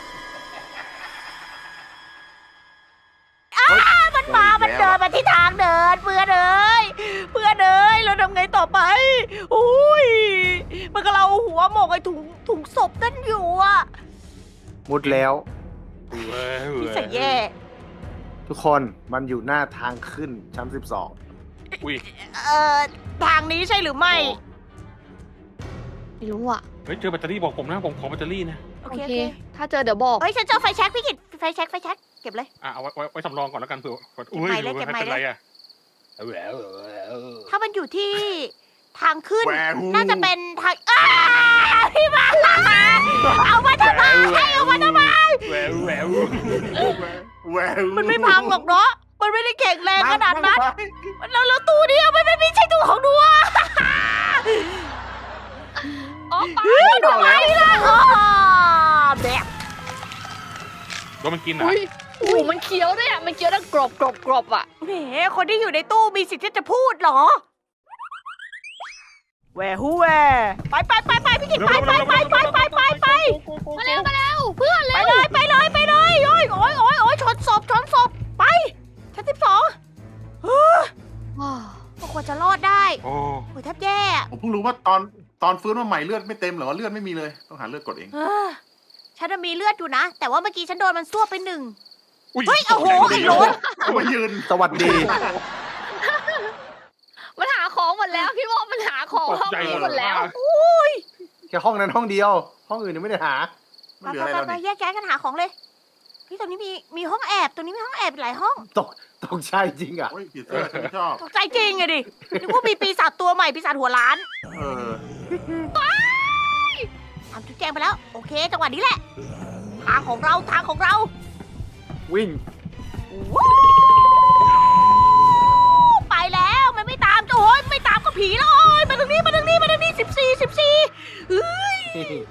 [SPEAKER 1] อ้ามันมา มันเดินมาที่ทางเดินเพื่อนเอ้ยเพื่อนเอ้ยเราทำไงต่อไปอุ้ยมันก็เราหัวหมกไอ้ถุงถุงศพนั่นอยู่อะ
[SPEAKER 5] มุดแล้ว
[SPEAKER 1] พี่ใส่แย่
[SPEAKER 5] ทุกคนมันอยู่หน้าทางขึ้นชั้นสิบสอง
[SPEAKER 4] อุ้ย
[SPEAKER 1] เอ่อทางนี้ใช่หรือไม่
[SPEAKER 2] ไม่รู้อ่ะ
[SPEAKER 4] เฮ้ยเจอแบตเตอรี่บอกผมนะผมขอแบตเตอรี่นะ
[SPEAKER 1] โอ
[SPEAKER 2] โอ
[SPEAKER 1] เค
[SPEAKER 2] เค
[SPEAKER 1] โอเค
[SPEAKER 2] ถ้าเจอเดี๋ยวบอก
[SPEAKER 1] เฮ้ยฉันเจอไฟแช็กพี่กิตไฟแช็กไฟแช็กเก็บเลย
[SPEAKER 4] อ่ะเอาไว้ไว้ไว้สำรองก่อนแล้วกันเผื่ออุ้ย
[SPEAKER 1] เก็บไมค์เลยเก็บไมค์เลย
[SPEAKER 4] เป็นไรอ่ะ
[SPEAKER 1] ถ้ามันอยู่ที่ทางขึ้น
[SPEAKER 3] แหวหู
[SPEAKER 1] น่าจะเป็นทางอ้าพี่มาเอามาทำไมเอามาทำไม
[SPEAKER 4] แหววแหวว
[SPEAKER 3] แหวว
[SPEAKER 1] มันไม่พังหรอกเนาะมันไม่ได้แข็งแรงขนาดนั้น
[SPEAKER 3] ไม่
[SPEAKER 1] แล้วแล้วตู้เดียวมันไม่ใช่ตู้ของดัว
[SPEAKER 2] อ๋อไป
[SPEAKER 3] เอาแล้ว
[SPEAKER 1] อ๋อแบบ
[SPEAKER 4] โดนมันกินอ่ะ
[SPEAKER 2] อุ้ยโอ้โหมันเคี้ยวด้วยอ่ะ มันเคี้ยวได้กรอบกรอบกรอบอ่ะ
[SPEAKER 1] แหมคนที่อยู่ในตู้มีสิทธิ์ที่จะพูดเหรอแหวฮูแหวไปไปไปไปพี่กิตไปไปไปไปไปไปไป
[SPEAKER 2] มาเร็วมาเร็วเพื่อน
[SPEAKER 1] ไป
[SPEAKER 2] เร็ว
[SPEAKER 1] เลยไปเลยไปเลยโอ้ยโอ้ยโอ้ยโอ้ยชนศพชนศพไปชั้นสิบสองเฮ้ยก็ควรจะรอดได้
[SPEAKER 4] โอ้
[SPEAKER 1] โอ้ยแทบแย่อะ
[SPEAKER 3] ผมเพิ่งรู้ว่าตอนตอนฟื้นมาใหม่เลือดไม่เต็มเหรอว่าเลือดไม่มีเลยต้องหาเลือดกดเอง
[SPEAKER 1] เออฉันน่ะมีเลือดอยู่นะ แต่ว่าเมื่อกี้ฉันโดนมันซ่วบไปหนึ่ง
[SPEAKER 4] อุ้ย
[SPEAKER 1] เฮ้ยโอ้โหไอ้โรส
[SPEAKER 3] เอามายืน
[SPEAKER 5] สวัสดี
[SPEAKER 2] มันหาของหมดแล้วพี่บอกมันหาของห้องนี้หมดแล้ว
[SPEAKER 5] แค่ห้องนั้นห้องเดียว ห้องอื่นยังไม่ได้หา
[SPEAKER 3] ไม่
[SPEAKER 1] ไป
[SPEAKER 3] เหลืออะไร
[SPEAKER 1] ไป
[SPEAKER 3] แล้ว
[SPEAKER 1] ไป
[SPEAKER 3] นี่
[SPEAKER 1] แยกย้ายกันหาของเลยพี่ตรงนี้มีมีห้องแอบตรงนี้มีห้องแอบอีกหลายห้อง
[SPEAKER 5] ตกตกใจจริงอ่ะ
[SPEAKER 3] โอ้ยผีเสื้อฉันไม่ชอบ
[SPEAKER 1] ตกใจจริงไงดินึกว่ามีปีศาจตัวใหม่ปีศาจหัวล้าน
[SPEAKER 3] เออ
[SPEAKER 1] ทำจุดแจงไปแล้ว โอเค จังหวะนี้แหละ ทางของเราทางของเรา
[SPEAKER 5] วิ่ง
[SPEAKER 1] วู้ไปแล้วมันไม่ตามโอ้ยไม่ตามก็ผีแล้วโอ้ยมาตรงนี้มาตรงนี้มาตรงนี้สิบสี่สิบสี่เฮ้ย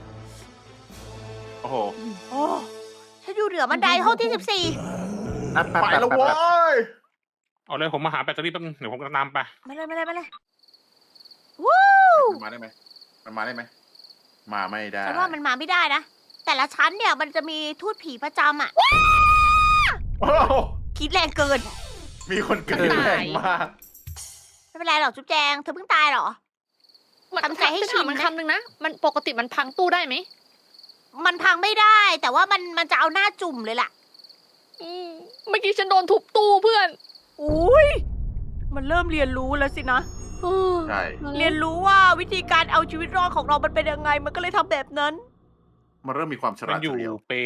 [SPEAKER 3] โอ้โห
[SPEAKER 1] โอ้ฉันอยู่เหนือบันไดห้องที่สิบสี่
[SPEAKER 5] แป๊บแป๊บ
[SPEAKER 3] ไป
[SPEAKER 5] แป๊บ
[SPEAKER 3] แล้ว
[SPEAKER 5] แป๊บ
[SPEAKER 3] โว้
[SPEAKER 5] แป๊บ
[SPEAKER 3] ย
[SPEAKER 4] เอาเลยผมมาหาแบตเตอรี่แป๊บนึงเดี๋ยวผมจะตามไป
[SPEAKER 1] มาเลยมาเลยมาเลยวู้
[SPEAKER 3] มันมาได้ไหมมันมาได้ไหมมาไม่ได้
[SPEAKER 1] ฉันว่ามันมาไม่ได้นะ แต่ละชั้นเนี่ยมันจะมีทูตผีประจำอ่ะ
[SPEAKER 3] โอ้โห
[SPEAKER 1] คิดแรงเกิน
[SPEAKER 3] มีคนเกิดแรงมาก
[SPEAKER 1] ไม่เป็นไรหรอกจุ๊บแจงเธอเพิ่งตายเหรอ ทำใจให้ชิน
[SPEAKER 2] มัน
[SPEAKER 1] นะ
[SPEAKER 2] คำนึงนะ มันปกติมันพังตู้ได้ไหม
[SPEAKER 1] มันพังไม่ได้ แต่ว่ามันมันจะเอาหน้าจุ่มเลยล่ะ
[SPEAKER 2] อืมเมื่อกี้ฉันโดนทุบตู้เพื่อน
[SPEAKER 1] อุ้ยมันเริ่มเรียนรู้แล้วสินะ
[SPEAKER 3] ใช่
[SPEAKER 1] เรียนรู้ว่าวิธีการเอาชีวิตรอดของเรามันเป็นยังไง มันก็เลยทำแบบนั้น
[SPEAKER 3] มันเริ่มมีความฉ
[SPEAKER 4] มั
[SPEAKER 3] ลาน ด
[SPEAKER 4] อยู่
[SPEAKER 3] เฉลียว
[SPEAKER 4] เป็น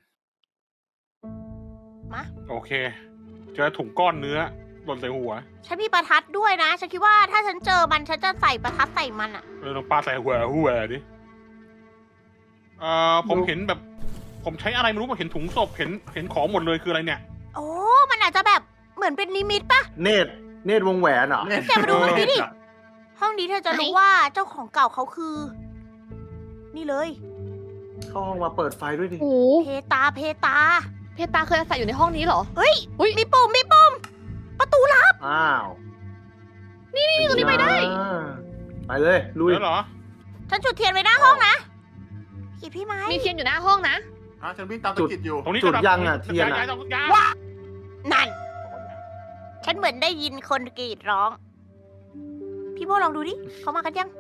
[SPEAKER 1] มา
[SPEAKER 4] โอเค เจอถุงก้อนเนื้อหล่นใส่หัว
[SPEAKER 1] ฉันมีประทัดด้วยนะ ฉันคิดว่าถ้าฉันเจอมันฉันจะใส่ประทัดใส่มันอะ
[SPEAKER 4] เลยลองปลาใส่หัวหัวดิเอ่อผมเห็นแบบ ผมใช้อะไรไม่รู้ผมเห็นถุงศพเห็นเห็นของหมดเลยคืออะไรเนี่ย
[SPEAKER 1] โอ้ มันอาจจะแบบเหมือนเป็นนิมิตปะ
[SPEAKER 5] เนตรเนตรวงแหวนเหรอ
[SPEAKER 1] แกมาดูห้องนี้ดิ ห้องนี้เธอจะรู้ว่าเจ้าของเก่าเขาคือ นี่เลย
[SPEAKER 5] เข้าห้องมาเปิดไฟด้วยดิ
[SPEAKER 2] โอ้
[SPEAKER 1] เพตาเพตา
[SPEAKER 2] เพตาเคยอาศัยอยู่ในห้องนี้เหรอ
[SPEAKER 1] เฮ้ย
[SPEAKER 2] อุ๊ย
[SPEAKER 1] มีปุ่มมีปุ่มประตูลับ
[SPEAKER 5] อ้าว
[SPEAKER 2] นี่นี่ตรงนี้ไปได้
[SPEAKER 5] อ่าไปเลยลุย
[SPEAKER 4] แล้วเหรอ
[SPEAKER 1] ฉันจุดเทียนไว้หน้าห้องนะกีพี่ไม้
[SPEAKER 2] มีเทียนอยู่หน้าห้องนะ
[SPEAKER 3] ฮะฉันวิ่งตามตะกิดอยู่
[SPEAKER 4] ตรงนี้
[SPEAKER 5] จุด
[SPEAKER 4] จะ
[SPEAKER 5] ยังอ่ะเทียน
[SPEAKER 4] ย้าย
[SPEAKER 5] อ่ะ
[SPEAKER 4] ย้ายย้าย
[SPEAKER 1] ว้านั่น ฉันเหมือนได้ยินคนกรีดร้อง พี่โมลองดูดิ เขามากันยัง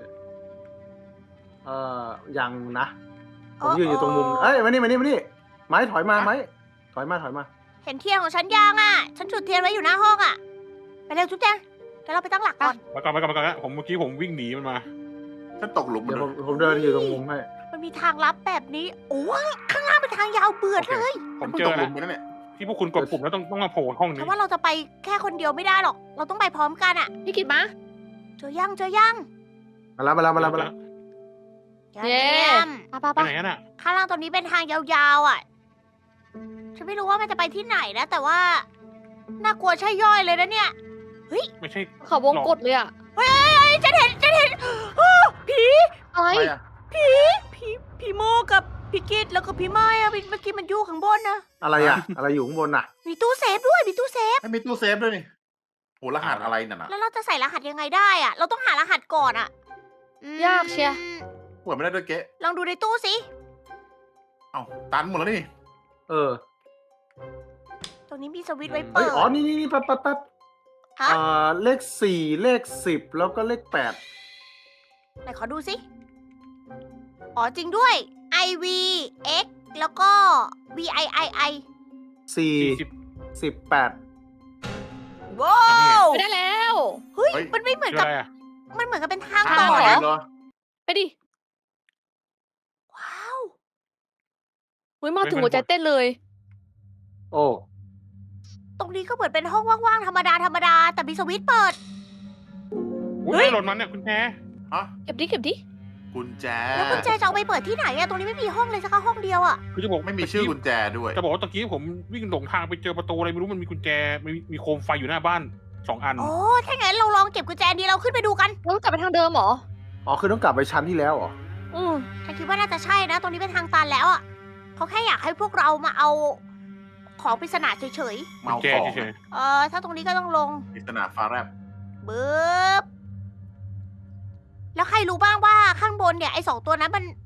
[SPEAKER 5] เอ่อยังนะ ผมยืนอยู่ตรงมุม เอ้ยมานี่มานี่มานี่ไม้ถอยมาไม้ถอยมาถอยมา
[SPEAKER 1] เห็นเทียนของฉันยังอ่ะ ฉันจุดเทียนไว้อยู่หน้าห้องอ่ะ ไปเร็วจุ๊บแจงเดี๋ยวเราไปตั้งหลักก่อน
[SPEAKER 4] มาก่อนมาก่อนมาก่อนนะผมเมื่อกี้ผมวิ่งหนีมันมา
[SPEAKER 3] ฉันตกหลุมมั
[SPEAKER 5] เดี๋
[SPEAKER 3] น
[SPEAKER 5] ยว
[SPEAKER 3] เล
[SPEAKER 5] ผม
[SPEAKER 3] ย
[SPEAKER 5] ผมเดินอยู่ตรงมุมให้
[SPEAKER 1] มันมีทางลับแบบนี้ โอ้ยข้างล่างเป็นทางยาวเบื่อเลย
[SPEAKER 4] ผ
[SPEAKER 3] ฉั
[SPEAKER 4] ม
[SPEAKER 3] นเพิ่ง
[SPEAKER 4] เจ
[SPEAKER 3] ต
[SPEAKER 4] อก
[SPEAKER 3] หลุ
[SPEAKER 4] แล้ว
[SPEAKER 3] มไปแล้วเนี่ย
[SPEAKER 4] ที่พวกคุณกดปุ่มแล้วต้องต้องมาโผล่ห้อง
[SPEAKER 1] เพ
[SPEAKER 4] นี้
[SPEAKER 1] ราะว่าเราจะไปแค่คนเดียวไม่ได้หรอก เราต้องไปพร้อมกันอ่ะ
[SPEAKER 2] พี่กิดมา
[SPEAKER 1] เจอยังเจอยัง
[SPEAKER 5] มาแล้วมาแล้วมาแล้วมาแล้ว
[SPEAKER 2] เย้
[SPEAKER 1] ยี่ยม
[SPEAKER 2] ไปไป
[SPEAKER 4] ไป
[SPEAKER 2] ไป
[SPEAKER 4] ไหนกันอ่ะ
[SPEAKER 1] ข้างล่างตรงนี้เป็นทางยาวๆอ่ะ ฉันไม่รู้ว่ามันจะไปที่ไหนนะ แต่ว่าน่ากลัวใช่ย่อยเลยนะเนี่ย
[SPEAKER 4] ไม่ใช่
[SPEAKER 2] เขาวงกดเลยอะ
[SPEAKER 1] เฮ้ยฉันเห็นฉันเห็นอ้อผี
[SPEAKER 2] อะไร
[SPEAKER 3] ไปอ่ะ
[SPEAKER 1] ผีผีผีโมกับพี่กิดแล้วก็พี่ไม้อะเมื่อกี้มันอยู่ข้างบนนะ
[SPEAKER 5] อะไรอ่ะ อะไรอยู่ข้างบนน่ะ
[SPEAKER 1] มีตู้เซฟด้วยมีตู้เซฟ
[SPEAKER 3] ไม่มีตู้เซฟด้วยนี่โหรหัสอะไรน่ะนะ
[SPEAKER 1] แล้วเราจะใส่รหัสยังไงได้อะเราต้องหารหัสก่อนอะอืม
[SPEAKER 2] ยากเชียร์
[SPEAKER 3] เปิดไม่ได้ด้วยเก๊
[SPEAKER 1] ลองดูในตู้สิ
[SPEAKER 3] เอ้าตันหมดแล้วนี่
[SPEAKER 5] เออ
[SPEAKER 1] ตรงนี้มีสวิตช์ไว้
[SPEAKER 5] เฮ้
[SPEAKER 1] เปิ
[SPEAKER 5] ย
[SPEAKER 1] ด
[SPEAKER 5] อ๋อ นี่นี่นี่แป๊บแป๊บแป๊บ
[SPEAKER 1] ฮะ
[SPEAKER 5] อ่าเลขสี่เลขสิบแล้วก็เลขแปด
[SPEAKER 1] ไหนขอดูสิ อ๋อจริงด้วย I V X แล้วก็ V I I I
[SPEAKER 5] สี่
[SPEAKER 4] สี่สิบ
[SPEAKER 5] สิบแปด
[SPEAKER 1] ว้าว
[SPEAKER 2] ไปได้แล้ว
[SPEAKER 1] เฮ้ย
[SPEAKER 3] เฮ้ย
[SPEAKER 1] มันไม่เหมือน
[SPEAKER 4] คือ
[SPEAKER 1] กับ
[SPEAKER 4] อะไรอ่ะ
[SPEAKER 1] มันเหมือนกับเป็นทาง
[SPEAKER 3] ทาง
[SPEAKER 1] ต่อ
[SPEAKER 3] ใหม่
[SPEAKER 1] เหรอ
[SPEAKER 3] เหรอ
[SPEAKER 2] ไปดิ
[SPEAKER 1] ว้าว
[SPEAKER 2] เฮ้ยมาถึงหัวใจเต้นเลย
[SPEAKER 5] โอ้
[SPEAKER 1] ตรงนี้ก็เหมือนเป็นห้องว่างๆธรรมดาธรรมดาแต่มีสวิตช์เปิด
[SPEAKER 4] อุ้
[SPEAKER 1] เฮ้
[SPEAKER 4] ย
[SPEAKER 1] ย
[SPEAKER 4] หล่นมันเนี่ยคุณแพร
[SPEAKER 3] ฮะ
[SPEAKER 2] เก็บดิเก็บดิ
[SPEAKER 3] กุญแจ
[SPEAKER 1] แล้วกุญแจจะเอาไปเปิดที่ไหนอะตรงนี้ไม่มีห้องเลยสักห้องเดียวอะ
[SPEAKER 4] คือจะบอก
[SPEAKER 3] ไม่มีชื่อกุญแจด้วย
[SPEAKER 4] จะบอกว่าตะกี้ผมวิ่งหลงทางไปเจอประตูอะไรไม่รู้มันมีกุญแจมีมีโคมไฟอยู่หน้าบ้านสองอัน
[SPEAKER 1] โอ้ถ้างั้นเราลองเก็บกุญแจนี้เราขึ้นไปดูกัน
[SPEAKER 2] แล้วกลับไปทางเดิมเหรอ
[SPEAKER 5] อ๋อ คือต้องกลับไปชั้นที่แล้วเหรอ
[SPEAKER 2] อืม
[SPEAKER 1] ฉันคิดว่าน่าจะใช่นะ ตรงนี้เป็นทางตันแล้วอะเขาแค่อยากให้พวกเรามาเอาของปริศนาเฉย
[SPEAKER 3] เมา
[SPEAKER 4] กุญแจ
[SPEAKER 3] ของ
[SPEAKER 4] เฉย
[SPEAKER 1] ๆ เออถ้าตรงนี้ก็ต้องลง
[SPEAKER 3] ปริศนาฟ้าแลบ
[SPEAKER 1] บึ๊บ แล้วใครรู้บ้างว่าข้างบนเนี่ยไอ้สองตัวนั้นมัน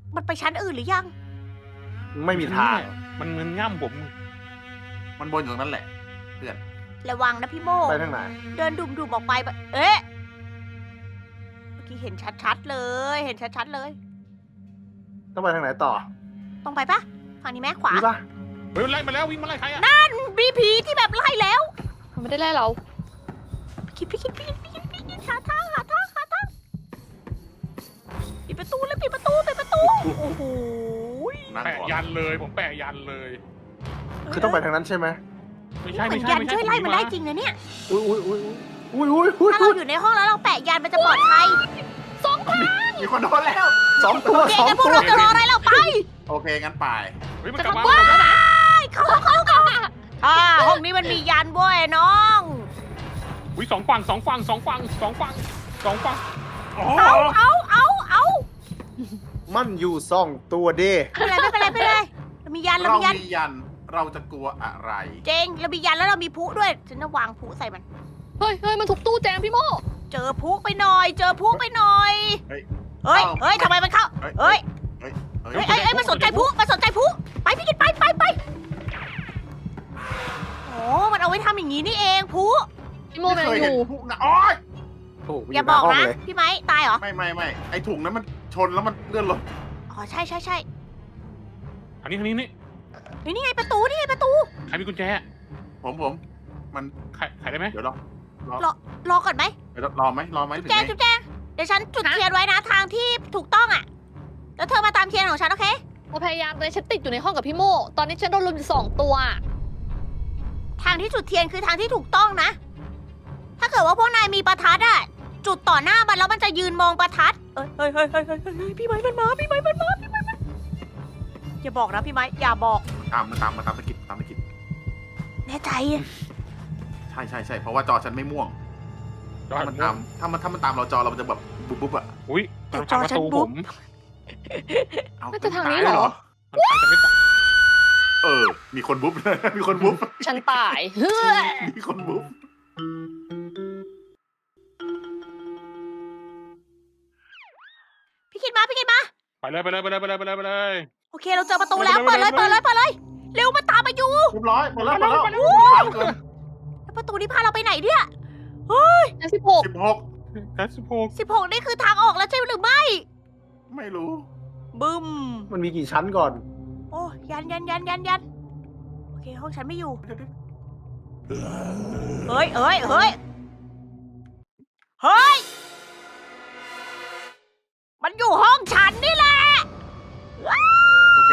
[SPEAKER 1] มันไปชั้นอื่นหรือยัง
[SPEAKER 5] ไม่มีทาง
[SPEAKER 4] มันเงินง่ำผม
[SPEAKER 3] มันบนอยู่ตรงนั้นแหละเพื่อน
[SPEAKER 1] ระวังนะพี่โม
[SPEAKER 5] ไปทางไหน
[SPEAKER 1] เดินดุมๆออกไปแบบเอ๊ะ เมื่อกี้เห็นชัดๆเลย เห็นชัดๆเลย
[SPEAKER 5] ต้องไปทางไหนต่อ
[SPEAKER 1] ตรงไปปะฝั่งนี้ไหมขวา
[SPEAKER 5] นี่ปะ
[SPEAKER 4] เฮ้ยมันไล่มาแล้ววิ่งมาไล่ใครอะ
[SPEAKER 1] บีพีที่แบบไล่แล้ว
[SPEAKER 2] มันไม่ได้ไล่เรา
[SPEAKER 1] คิดพี่คิดพี่คิดพี่คิดพี่คิดหาทางหาทางหาทางปิดประตูเลยปิดประตูปิดประตู โอ้โห
[SPEAKER 3] นั่ง
[SPEAKER 4] แปะ
[SPEAKER 3] ก่อน
[SPEAKER 4] ยันเลยผมแปะยันเลย
[SPEAKER 5] คือต้องไปทางนั้นใช่ไหม
[SPEAKER 4] ไม่ใช่
[SPEAKER 1] เหมื
[SPEAKER 4] ไม่
[SPEAKER 1] อน
[SPEAKER 4] ใช่
[SPEAKER 1] ยัน
[SPEAKER 4] ไม่ใช่
[SPEAKER 1] ช่วยไล่มันได้จริงนะเนี่ย
[SPEAKER 5] อุ้ยอุ้ยอุ้ยอุ้ยอุ้ยอุ้ย
[SPEAKER 1] ถ้าเราอยู่ในห้องแล้วเราแปะยันมันจะปลอดภัย
[SPEAKER 3] มีคนโดนแล้ว
[SPEAKER 5] สองตัว
[SPEAKER 1] โอเค
[SPEAKER 5] สอง
[SPEAKER 1] งั้นพว
[SPEAKER 5] ตั
[SPEAKER 1] ก
[SPEAKER 5] ว
[SPEAKER 1] เราจะรออะไรเราไป
[SPEAKER 3] โอเคงั้นไป
[SPEAKER 4] เฮ้ยมัน
[SPEAKER 2] จะ
[SPEAKER 4] กลับ
[SPEAKER 2] ทำ
[SPEAKER 4] มา
[SPEAKER 2] บ้าแล้วนะ
[SPEAKER 1] เข้าเข้าเข้าอ่าห้องนี้มันมียันเว้ยน้อง
[SPEAKER 4] อุ้ยสองฝั่งสองฝั่งสองฝั่งสองฝั่งสองฝั่งอ๋อ
[SPEAKER 1] เอาเอาเอาเอา
[SPEAKER 5] มันอยู่สองตัวเด้
[SPEAKER 1] ไม่เป็นไรไม่เป็นไรไม่เป็นไรเรามียันเรา
[SPEAKER 3] เรา
[SPEAKER 1] มียัน
[SPEAKER 3] มียันเราจะกลัวอะไร
[SPEAKER 1] เจงเรามียันแล้วเรามีพลุด้วยฉันจะวางพลุใส่มัน
[SPEAKER 2] เฮ้ยเฮ้ยมันทุบตู้แจงพี่โม
[SPEAKER 1] เจอพลุไปหน่อย เจอพลุไปหน่อย
[SPEAKER 3] เฮ้ย
[SPEAKER 1] เฮ้ยเฮ้ยทำไมมันเข้า
[SPEAKER 3] เฮ้ย
[SPEAKER 1] เฮ้ย
[SPEAKER 3] เฮ้ย
[SPEAKER 1] เฮ้ยเฮ้ยเฮ้ยมันสนใจพลุมันสนใจพลุไปพี่กินไปไปไปโอ้มันเอาไว้ทำอย่างนี้นี่เองพลุ
[SPEAKER 2] พี่โม
[SPEAKER 3] ไม่
[SPEAKER 2] มัน
[SPEAKER 3] เคย
[SPEAKER 2] อ
[SPEAKER 3] เห็น
[SPEAKER 2] ยู่
[SPEAKER 3] พวกนะโอ๊ย
[SPEAKER 5] โอ้โห
[SPEAKER 1] อย่าบอก
[SPEAKER 5] ห
[SPEAKER 1] นะ
[SPEAKER 5] ห้งเลย
[SPEAKER 1] พี่ไม้ตายเหรอ
[SPEAKER 3] ไม่ไม่ไม่ไอถุงนั้นมันชนแล้วมันเลื่อนรถ
[SPEAKER 1] อ๋อใช่ใช่ใช่
[SPEAKER 4] อันนี้อันนี้นี่
[SPEAKER 1] เฮ้ยนี่ไงประตูนี่ไงประตู
[SPEAKER 4] ใครมีกุญแจ
[SPEAKER 3] ผมผมมัน
[SPEAKER 4] ใครใครได้ไหม
[SPEAKER 3] เดี๋ยวรอ
[SPEAKER 1] รอก่อนไหม
[SPEAKER 3] เดี๋ยวรอไหมรอไหมหรือ
[SPEAKER 1] แจง
[SPEAKER 3] ไง
[SPEAKER 1] จุ๊บแจงเดี๋ยวฉันจุดเทียนไว้นะทางที่ถูกต้องอ่ะแล้วเธอมาตามเทียนของฉันโอเค
[SPEAKER 2] เราพยายามเลยฉันติดอยู่ในห้องกับพี่โม ตอนนี้ฉันโดนลุมอยู่สองตัว
[SPEAKER 1] ทางที่จุดเทียนคือทางที่ถูกต้องนะ ถ้าเกิดว่าพวกนายมีประทัดอ่ะ จุดต่อหน้ามันแล้วมันจะยืนมองประทัด เอ้ยเฮ้ยเฮ้ยเฮ้ยเฮ้ยเฮ้ยพี่ไม้มันมา พี่ไม้มันมา พี่ไม้มันอย่าบอกนะพี่ไม้อย่าบอก
[SPEAKER 3] ตามมาตามมาตามตะกิดตามตะกิด
[SPEAKER 1] แน่ใจ
[SPEAKER 3] ใช่ใช่ใช่เพราะว่าจอฉันไม่ม่วง
[SPEAKER 4] จอ
[SPEAKER 3] ถ้ามันตามถ้ามันถ้ามันตามเราจอเรามันจะแบบบุ๊บบุ๊บอะ
[SPEAKER 4] อุ้ย
[SPEAKER 1] แต่
[SPEAKER 4] มัน
[SPEAKER 1] จอ
[SPEAKER 4] ทางประ
[SPEAKER 1] ฉัน
[SPEAKER 4] ตู
[SPEAKER 1] บุ๊
[SPEAKER 4] ผ
[SPEAKER 1] บ
[SPEAKER 4] ม
[SPEAKER 3] เอา
[SPEAKER 2] น่าจะทางนี้
[SPEAKER 3] ตย
[SPEAKER 2] เหรอ
[SPEAKER 4] มันทางจะไม่ตาย
[SPEAKER 3] เออ มีคนบุ๊บ มีคนบุ๊บ
[SPEAKER 2] ฉันตายเฮ้ย
[SPEAKER 3] มีคนบุ๊บ
[SPEAKER 1] พี่คิดมา พี่คิดมา
[SPEAKER 4] ไปเลยไปเลยไปเลยไปเลยไปเลยไปเลย
[SPEAKER 1] โอเคเราเจอประตูแล้ว เปิดเลย เปิดเลย เปิดเลย เร็วมาตามมาอยู่
[SPEAKER 3] เรียบร้อยหมดแล้วหมดแล้ว
[SPEAKER 1] โอ้
[SPEAKER 3] ทันเกิน
[SPEAKER 1] แล้วประตูนี้พาเราไปไหนเนี่ย
[SPEAKER 2] ฉันสิบหก
[SPEAKER 3] สิบหก
[SPEAKER 4] แค่สิบหก
[SPEAKER 1] สิบหกนี่คือทางออกแล้วใช่หรือไม่
[SPEAKER 3] ไม่รู้
[SPEAKER 1] บึ้ม
[SPEAKER 5] มันมีกี่ชั้นก่อน
[SPEAKER 1] โอ้ยันยันยันยันยันโอเคห้องฉันไม่อยู่ เฮ้ยเฮ้ยเฮ้ยเฮ้ย มันอยู่ห้องฉันนี่แหละ
[SPEAKER 3] โอเค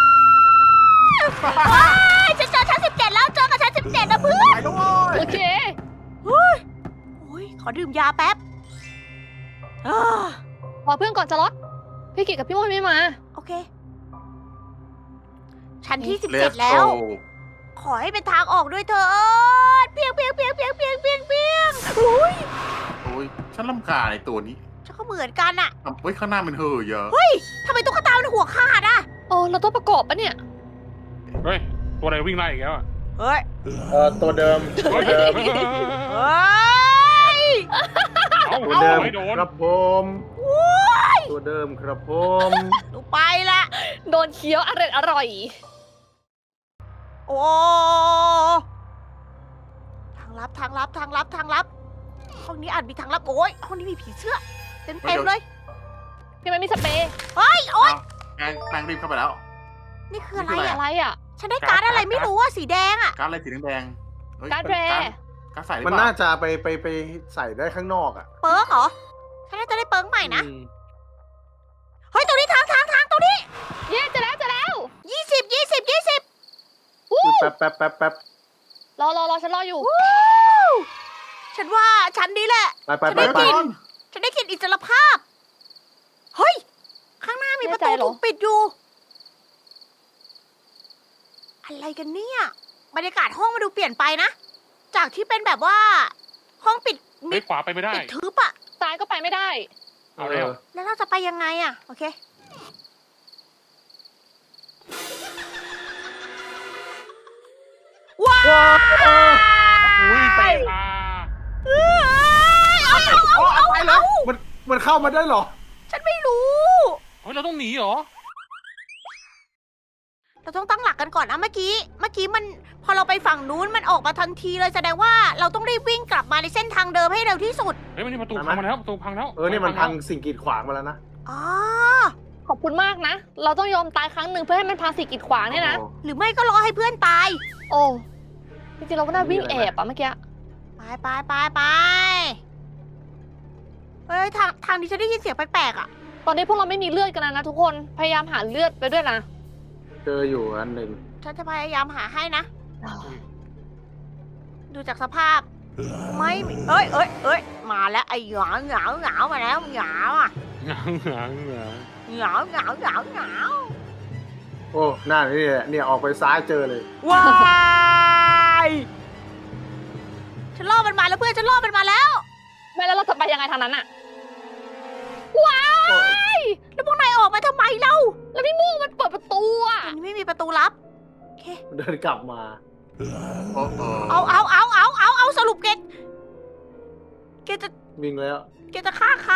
[SPEAKER 1] เฮ้ยฉันเจอชั้นสิบเจ็ดแล้วเจอกับชั้นสิบเจ็ดนะเพื่อน
[SPEAKER 3] ไปแล้วเว้ย
[SPEAKER 2] โอเค
[SPEAKER 1] โอ้ยขอดื่มยาแป๊บอ่า
[SPEAKER 2] รอเพื่อนก่อนจะล็อตพี่กิจกับพี่โมไม่มา
[SPEAKER 1] โอเค ชั้นที่สิบ
[SPEAKER 3] เล
[SPEAKER 1] เจ็ด
[SPEAKER 3] ส
[SPEAKER 1] แล้
[SPEAKER 3] โก
[SPEAKER 1] ว ขอให้เป็นทางออกด้วยเถิดเปียงเปียงเปียงเปียงเปียงเปียงเปียงอุ้ย
[SPEAKER 3] โอ้ยฉันลำคาญไอ้ตัวนี้
[SPEAKER 1] ฉันก็เหมือนกันอะ
[SPEAKER 3] ทำเฮ้ยข้างหน้ามันเห่อะเยอะ
[SPEAKER 1] ทำไมตุ๊กตามันหัวขาดอะ
[SPEAKER 2] โอ้เราต้องประกอบปะเนี่ย
[SPEAKER 4] เฮ้ยตัวอะไรวิ่งไล่อีกแล้วอะ
[SPEAKER 1] เฮ้ย
[SPEAKER 5] เออตัวเดิม ตัวเดิม
[SPEAKER 1] เฮ้ย
[SPEAKER 4] เอา
[SPEAKER 5] ตัว
[SPEAKER 4] เอา
[SPEAKER 5] เดิม
[SPEAKER 4] ไม่โดน
[SPEAKER 5] ครับผม ตัวเดิมครับผม
[SPEAKER 1] หนูไปละ
[SPEAKER 2] โดนเคี้ยวอร่อยอร่อย
[SPEAKER 1] โอ้ทางลับทางลับทางลับทางลับ ห้องนี้อาจมีทางลับโอ้ยห้องนี้มีผีเสื้อเต็มเต็มๆเลย
[SPEAKER 2] พี่ไม่มีสเปรย์
[SPEAKER 1] เฮ้ยโอ้ย
[SPEAKER 3] แปงแปงรีบเข้าไปแล้ว
[SPEAKER 1] นี่คืออะไร
[SPEAKER 3] นี่คือ
[SPEAKER 1] อะ
[SPEAKER 2] อะไรอ่ะ
[SPEAKER 1] ฉันได้การ์ดอะไรไม่รู้อะสีแดงอะ
[SPEAKER 3] การดอะไรสีแดงๆเฮ้ย
[SPEAKER 2] การ์ดแร
[SPEAKER 3] การ์ดใส่หรือ
[SPEAKER 5] มัน
[SPEAKER 3] เปล่า
[SPEAKER 5] น่าจะไปไปไปใส่ได้ข้างนอกอ่ะ
[SPEAKER 1] เปิร์กเหรอฉันน่าจะได้เปิร์กใหม่นะ
[SPEAKER 5] อืม
[SPEAKER 1] เฮ้ยตรงนี้ทางทางทางตรงนี้
[SPEAKER 2] เย้เจะแล้วเจะแล้ว
[SPEAKER 1] ยี่สิบยี่สิบยี่สิบ
[SPEAKER 2] วู้
[SPEAKER 5] อุ๊ยแป๊บแป๊บแป๊บแป๊บ
[SPEAKER 2] รอรอรอฉันรออยู่
[SPEAKER 1] ฉันว่าฉันนี้แหละ
[SPEAKER 5] ไปไป
[SPEAKER 1] จะ
[SPEAKER 5] ไป
[SPEAKER 1] ได้
[SPEAKER 5] ไป
[SPEAKER 1] กิน ฉันได้กลินอิสรภาพ เฮ้ย ข้างหน้ามีประตู
[SPEAKER 2] แน่ใจเหรอ
[SPEAKER 1] ถูกปิดอยู่ อะไรกันเนี่ย บรรยากาศห้องมาดูเปลี่ยนไปนะ จากที่เป็นแบบว่า ห้องปิดมิ
[SPEAKER 4] เฮ้ย
[SPEAKER 1] ด
[SPEAKER 4] ขวาไปไม่ได้
[SPEAKER 1] ปิดทึบอะ
[SPEAKER 2] ซ้ายก็ไปไม่ได้
[SPEAKER 4] เอาเร็ว
[SPEAKER 1] แล้วเราจะไปยังไงอะโอเค ว้าว
[SPEAKER 4] อุ้ยไปลา
[SPEAKER 1] เอ้ยเอาเอาเอาเอาเอา
[SPEAKER 5] มันมันเข้ามาได้เหรอ
[SPEAKER 1] ฉันไม่รู้
[SPEAKER 4] เฮ้ยเราต้องหนีเหรอ
[SPEAKER 1] เราต้องตั้งหลักกันก่อนนะเมื่อกี้ เมื่อกี้มันพอเราไปฝั่งนู้นมันออกมาทันทีเลยแสดงว่าเราต้องรีบวิ่งกลับมาในเส้นทางเดิมให้เร็วที่สุด
[SPEAKER 4] เฮ้ยมันนี่ประตูพังมาแล้วประตูพังแล้ว
[SPEAKER 5] เออนี่มันพังสิ่งกีดขวางมาแล้วนะ
[SPEAKER 1] อ๋อ
[SPEAKER 2] ขอบคุณมากนะ เราต้องยอมตายครั้งหนึ่งเพื่อให้มันพาสิ่งกีดขวางเนี่ยนะ
[SPEAKER 5] โอ้
[SPEAKER 1] หรือไม่ก็รอให้เพื่อนตาย
[SPEAKER 2] โอ้จริงๆเราก็น่าวิ่งแอบอะเมื่อกี้
[SPEAKER 1] ไปไปไปไปเฮ้ยทางทางนี้ฉันได้ยินเสียงแปลกๆอ่ะ
[SPEAKER 2] ตอนนี้พวกเราไม่มีเลือดกันแล้วนะทุกคน พยายามหาเลือดไปด้วยนะ
[SPEAKER 5] เจออยู่อันหนึ่ง
[SPEAKER 1] ฉันจะพยายามหาให้นะ ดูจากสภาพ ไม่มีเอ้ยเอ้ยเอ้ยมาแล้วไอ้หงาเหงาเหงามาแล้วเหงาอ่ะ
[SPEAKER 4] หงาหงาหงา
[SPEAKER 1] เหงาเหงาเหงาเหงา
[SPEAKER 5] โอ้หน้านี่แหละเนี่ยออกไปซ้ายเจอเลย
[SPEAKER 1] ว้ายฉันล่อมันมาแล้วเพื่อนฉันล่อมันมาแล้ว
[SPEAKER 2] ไม่แล้วเราจะไปยังไงทางนั้นอะว้าย
[SPEAKER 1] แล้วพวกนายออกมาทำไมเล่า
[SPEAKER 2] แล้วพี่ม่วงมันเปิดประตูอะ
[SPEAKER 1] อันนี้ไม่มีประตูลับ
[SPEAKER 5] เดินกลับมา
[SPEAKER 3] โอ้โห
[SPEAKER 1] เอาเอาเอาเอาเอาเอาสรุปเกตเกตจะ
[SPEAKER 5] วิ่งแล้ว
[SPEAKER 1] เกตจะฆ่าใคร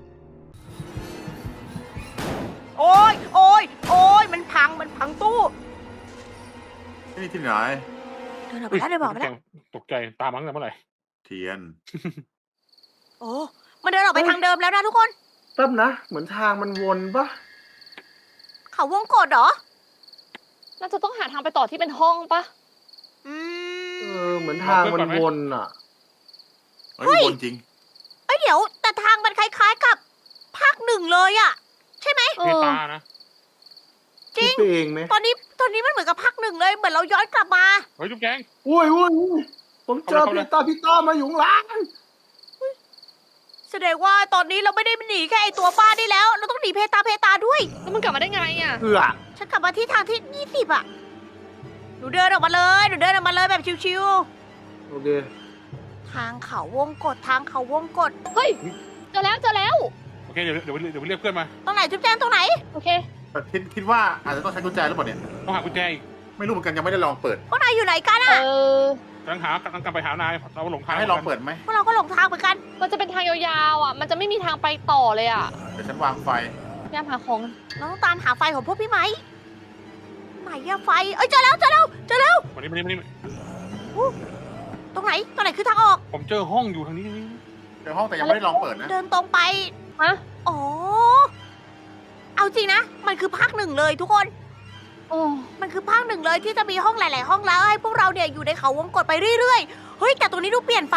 [SPEAKER 1] โอ้ยโอ้ยโอ้ยมันพังมันพังตู้
[SPEAKER 3] นี่ที่ไหน
[SPEAKER 1] เดินออกไปแล้วเดินออกไปแล้ว
[SPEAKER 4] ตกใจตามมั้งแต่เมื่อไหร่
[SPEAKER 3] เทียน
[SPEAKER 1] โอ้มันเดินออกไปทางเดิมแล้วนะทุกคน
[SPEAKER 5] แป๊บนะ เหมือนทางมันวนปะ
[SPEAKER 1] เขาวงกดเหรอ
[SPEAKER 2] น่าจะต้องหาทางไปต่อที่เป็นห้องปะ
[SPEAKER 1] อื
[SPEAKER 5] เอ
[SPEAKER 1] ม
[SPEAKER 5] อเหมือนทางมันวนอ่ะ
[SPEAKER 3] เฮ้ยวนจริง
[SPEAKER 1] เอ้ยเดี๋ยวแต่ทางมันคล้ายๆกับภาคหนึ่งเลยอะใช่ไหม
[SPEAKER 2] เอ
[SPEAKER 4] เม
[SPEAKER 2] อ
[SPEAKER 4] ตานะ
[SPEAKER 1] จริง
[SPEAKER 5] คิดไปเองไหม
[SPEAKER 1] ตอนนี้ตอนนี้มันเหมือนกับภาคหนึ่งเลยเหมือนเราย้อนกลับมา
[SPEAKER 4] เฮ้ยจุ๊บแจง
[SPEAKER 5] อุ้ยอุ้ยอุ้ยผมเจอ
[SPEAKER 4] เข้าเลย
[SPEAKER 5] พี่ตาพี่ตามาอยู่ข้างหลัง
[SPEAKER 1] แสดงว่าตอนนี้เราไม่ได้หนีแค่ไอตัวบ้านี่แล้ว เราต้องหนีเพตาเพตาด้วย
[SPEAKER 2] แล้วมันกลับมาได้ไงอะ
[SPEAKER 5] เอือ
[SPEAKER 1] ฉันกลับมาที่ทางที่ยี่สิบอะหนูเดินออกมาเลย หนูเดินออกมาเลยแบบชิว
[SPEAKER 5] โอเค
[SPEAKER 1] ๆ ทางเขาวงกดทางเขาวงกด
[SPEAKER 2] เฮ้ยเจอแล้วเจอแล้ว
[SPEAKER 4] โอเคเดี๋ยวเดี๋ยวเดี๋ยวเรียกเพื่อนมา
[SPEAKER 1] ตรงไหนจุ๊บแจงตรงไหน
[SPEAKER 2] โอเค
[SPEAKER 3] แต่คิดคิดว่าอาจจะต้องใช้กุญแจหรือเปล่าเนี่ย
[SPEAKER 4] ต้องหากุญแจอีก
[SPEAKER 3] ไม่รู้เหมือนกันยังไม่ได้ลองเปิด
[SPEAKER 1] พวกนายอยู่ไหนกัน
[SPEAKER 2] เอ
[SPEAKER 1] อะ
[SPEAKER 2] อ
[SPEAKER 4] กำลังหากำลังกลับไปหานายเราหลงทาง
[SPEAKER 3] ให้ลองเปิดไหม
[SPEAKER 1] พวกเราก็หลงทางเหมือนกัน
[SPEAKER 2] มันจะเป็นทางยาวๆอะมันจะไม่มีทางไปต่อเลยอะ
[SPEAKER 3] เดี๋ยวฉันวางไฟ
[SPEAKER 2] พยายามหาของ
[SPEAKER 1] เราต้องตามหาไฟของพวกพี่ไหมไหนอะไฟ เอ้ยเจอแล้วเจอแล้วเจอแล้ว
[SPEAKER 4] วันนี้วันนี้วันนี้
[SPEAKER 1] ตรงไหนตรงไหนคือทางออก
[SPEAKER 4] ผมเจอห้องอยู่ทางนี้ทางนี้
[SPEAKER 3] เดี๋ยวห้องแต่ยังไม่ได้ลองเปิดนะ
[SPEAKER 1] เดินตรงไป
[SPEAKER 2] ฮะ
[SPEAKER 1] อ๋อ เอาจริงนะ มันคือภาคหนึ่งเลยทุกคน
[SPEAKER 2] โอ้
[SPEAKER 1] มันคือภาคหนึ่งเลยที่จะมีห้องหลาย ๆ ห้องแล้วให้พวกเราเนี่ยอยู่ในเขาวงกตไปเรื่อย ๆ เฮ้ยแต่ตัวนี้ดูเปลี่ยนไป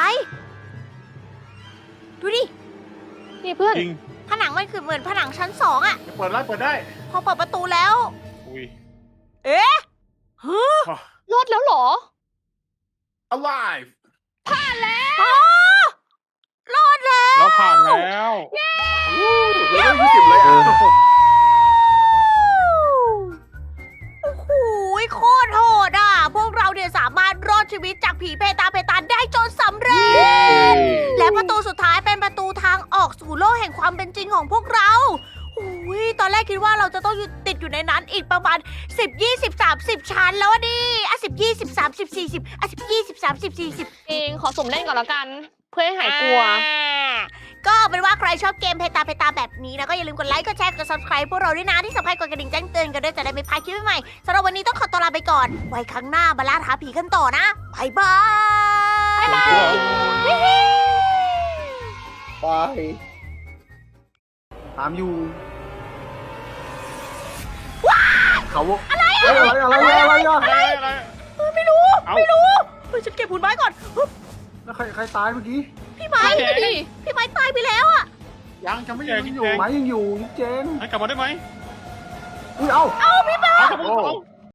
[SPEAKER 1] ดูดิ
[SPEAKER 2] นี่เพื่อน
[SPEAKER 4] จริง
[SPEAKER 1] ผนังมันคือเหมือนผนังชั้นสองอะ
[SPEAKER 3] เปิดได้เปิดได้
[SPEAKER 1] พอเปิดประตูแล้ว
[SPEAKER 4] อุ้ย
[SPEAKER 1] เอ๊ะฮึ
[SPEAKER 2] รอดแล้วเหรอ
[SPEAKER 3] alive
[SPEAKER 1] อ๋อรอดแล้ว
[SPEAKER 4] เราผ่านแล้ว
[SPEAKER 3] เลเวลยี่สิบเลยอ่ะ
[SPEAKER 1] โอ้โหโคตรโหดอ่ะ พวกเราเนี่ยสามารถรอดชีวิตจากผีเพตาเพตาได้จนสำเร็จ และประตูสุดท้ายเป็นประตูทางออกสู่โลกแห่งความเป็นจริงของพวกเราโอ้ยตอนแรกคิดว่าเราจะต้องอยู่ติดอยู่ในนั้นอีกประมาณสิบ ยี่สิบ สามสิบชั้นแล้วอะดิอ่ะสิบ ยี่สิบ สามสิบ สี่สิบอ่ะสิบ ยี่สิบ สามสิบ สี่สิบ
[SPEAKER 2] เองขอสมเล่นก่อนแล้วกัน เพื่อให้หายกลัว
[SPEAKER 1] อ่าก็เป็นว่าใครชอบเกมเพตาเพตาแบบนี้นะก็อย่าลืมกดไลค์กดแชร์กด subscribe พวกเราด้วยนะที่สำคัญกดกระดิ่งแจ้งเตือนกันด้วยจะได้ไม่พลาดคลิปใหม่ๆสำหรับวันนี้ต้องขอตัวลาไปก่อน ไว้ครั้งหน้ามาล่าท้าผีกันต่อนะบายบายบาย
[SPEAKER 5] ไปตามอยู่เขาอะไรอะไรอะไรอะไรอะไรอะ
[SPEAKER 4] อะไรอะไร
[SPEAKER 1] เออไม่รู้
[SPEAKER 4] เอา
[SPEAKER 1] ไม่รู้เฮ้ยฉันเก็บหุ่นไม้ก่อนฮึบ
[SPEAKER 5] แล้วใครใครตายเมื่อกี้
[SPEAKER 1] พี่ไม้
[SPEAKER 2] ไปดิ
[SPEAKER 1] พี่ไม้ตายไปแล้วอะ
[SPEAKER 3] ยังจะไม่ยังอยู่
[SPEAKER 5] ไม้ยังอยู่จิ๊กเจน
[SPEAKER 4] ให้กลับมาได้ไหม
[SPEAKER 5] อุ้ยเอ้า
[SPEAKER 1] เอาพี่ไม้
[SPEAKER 4] เอากลับมา
[SPEAKER 3] โอ้
[SPEAKER 4] เอา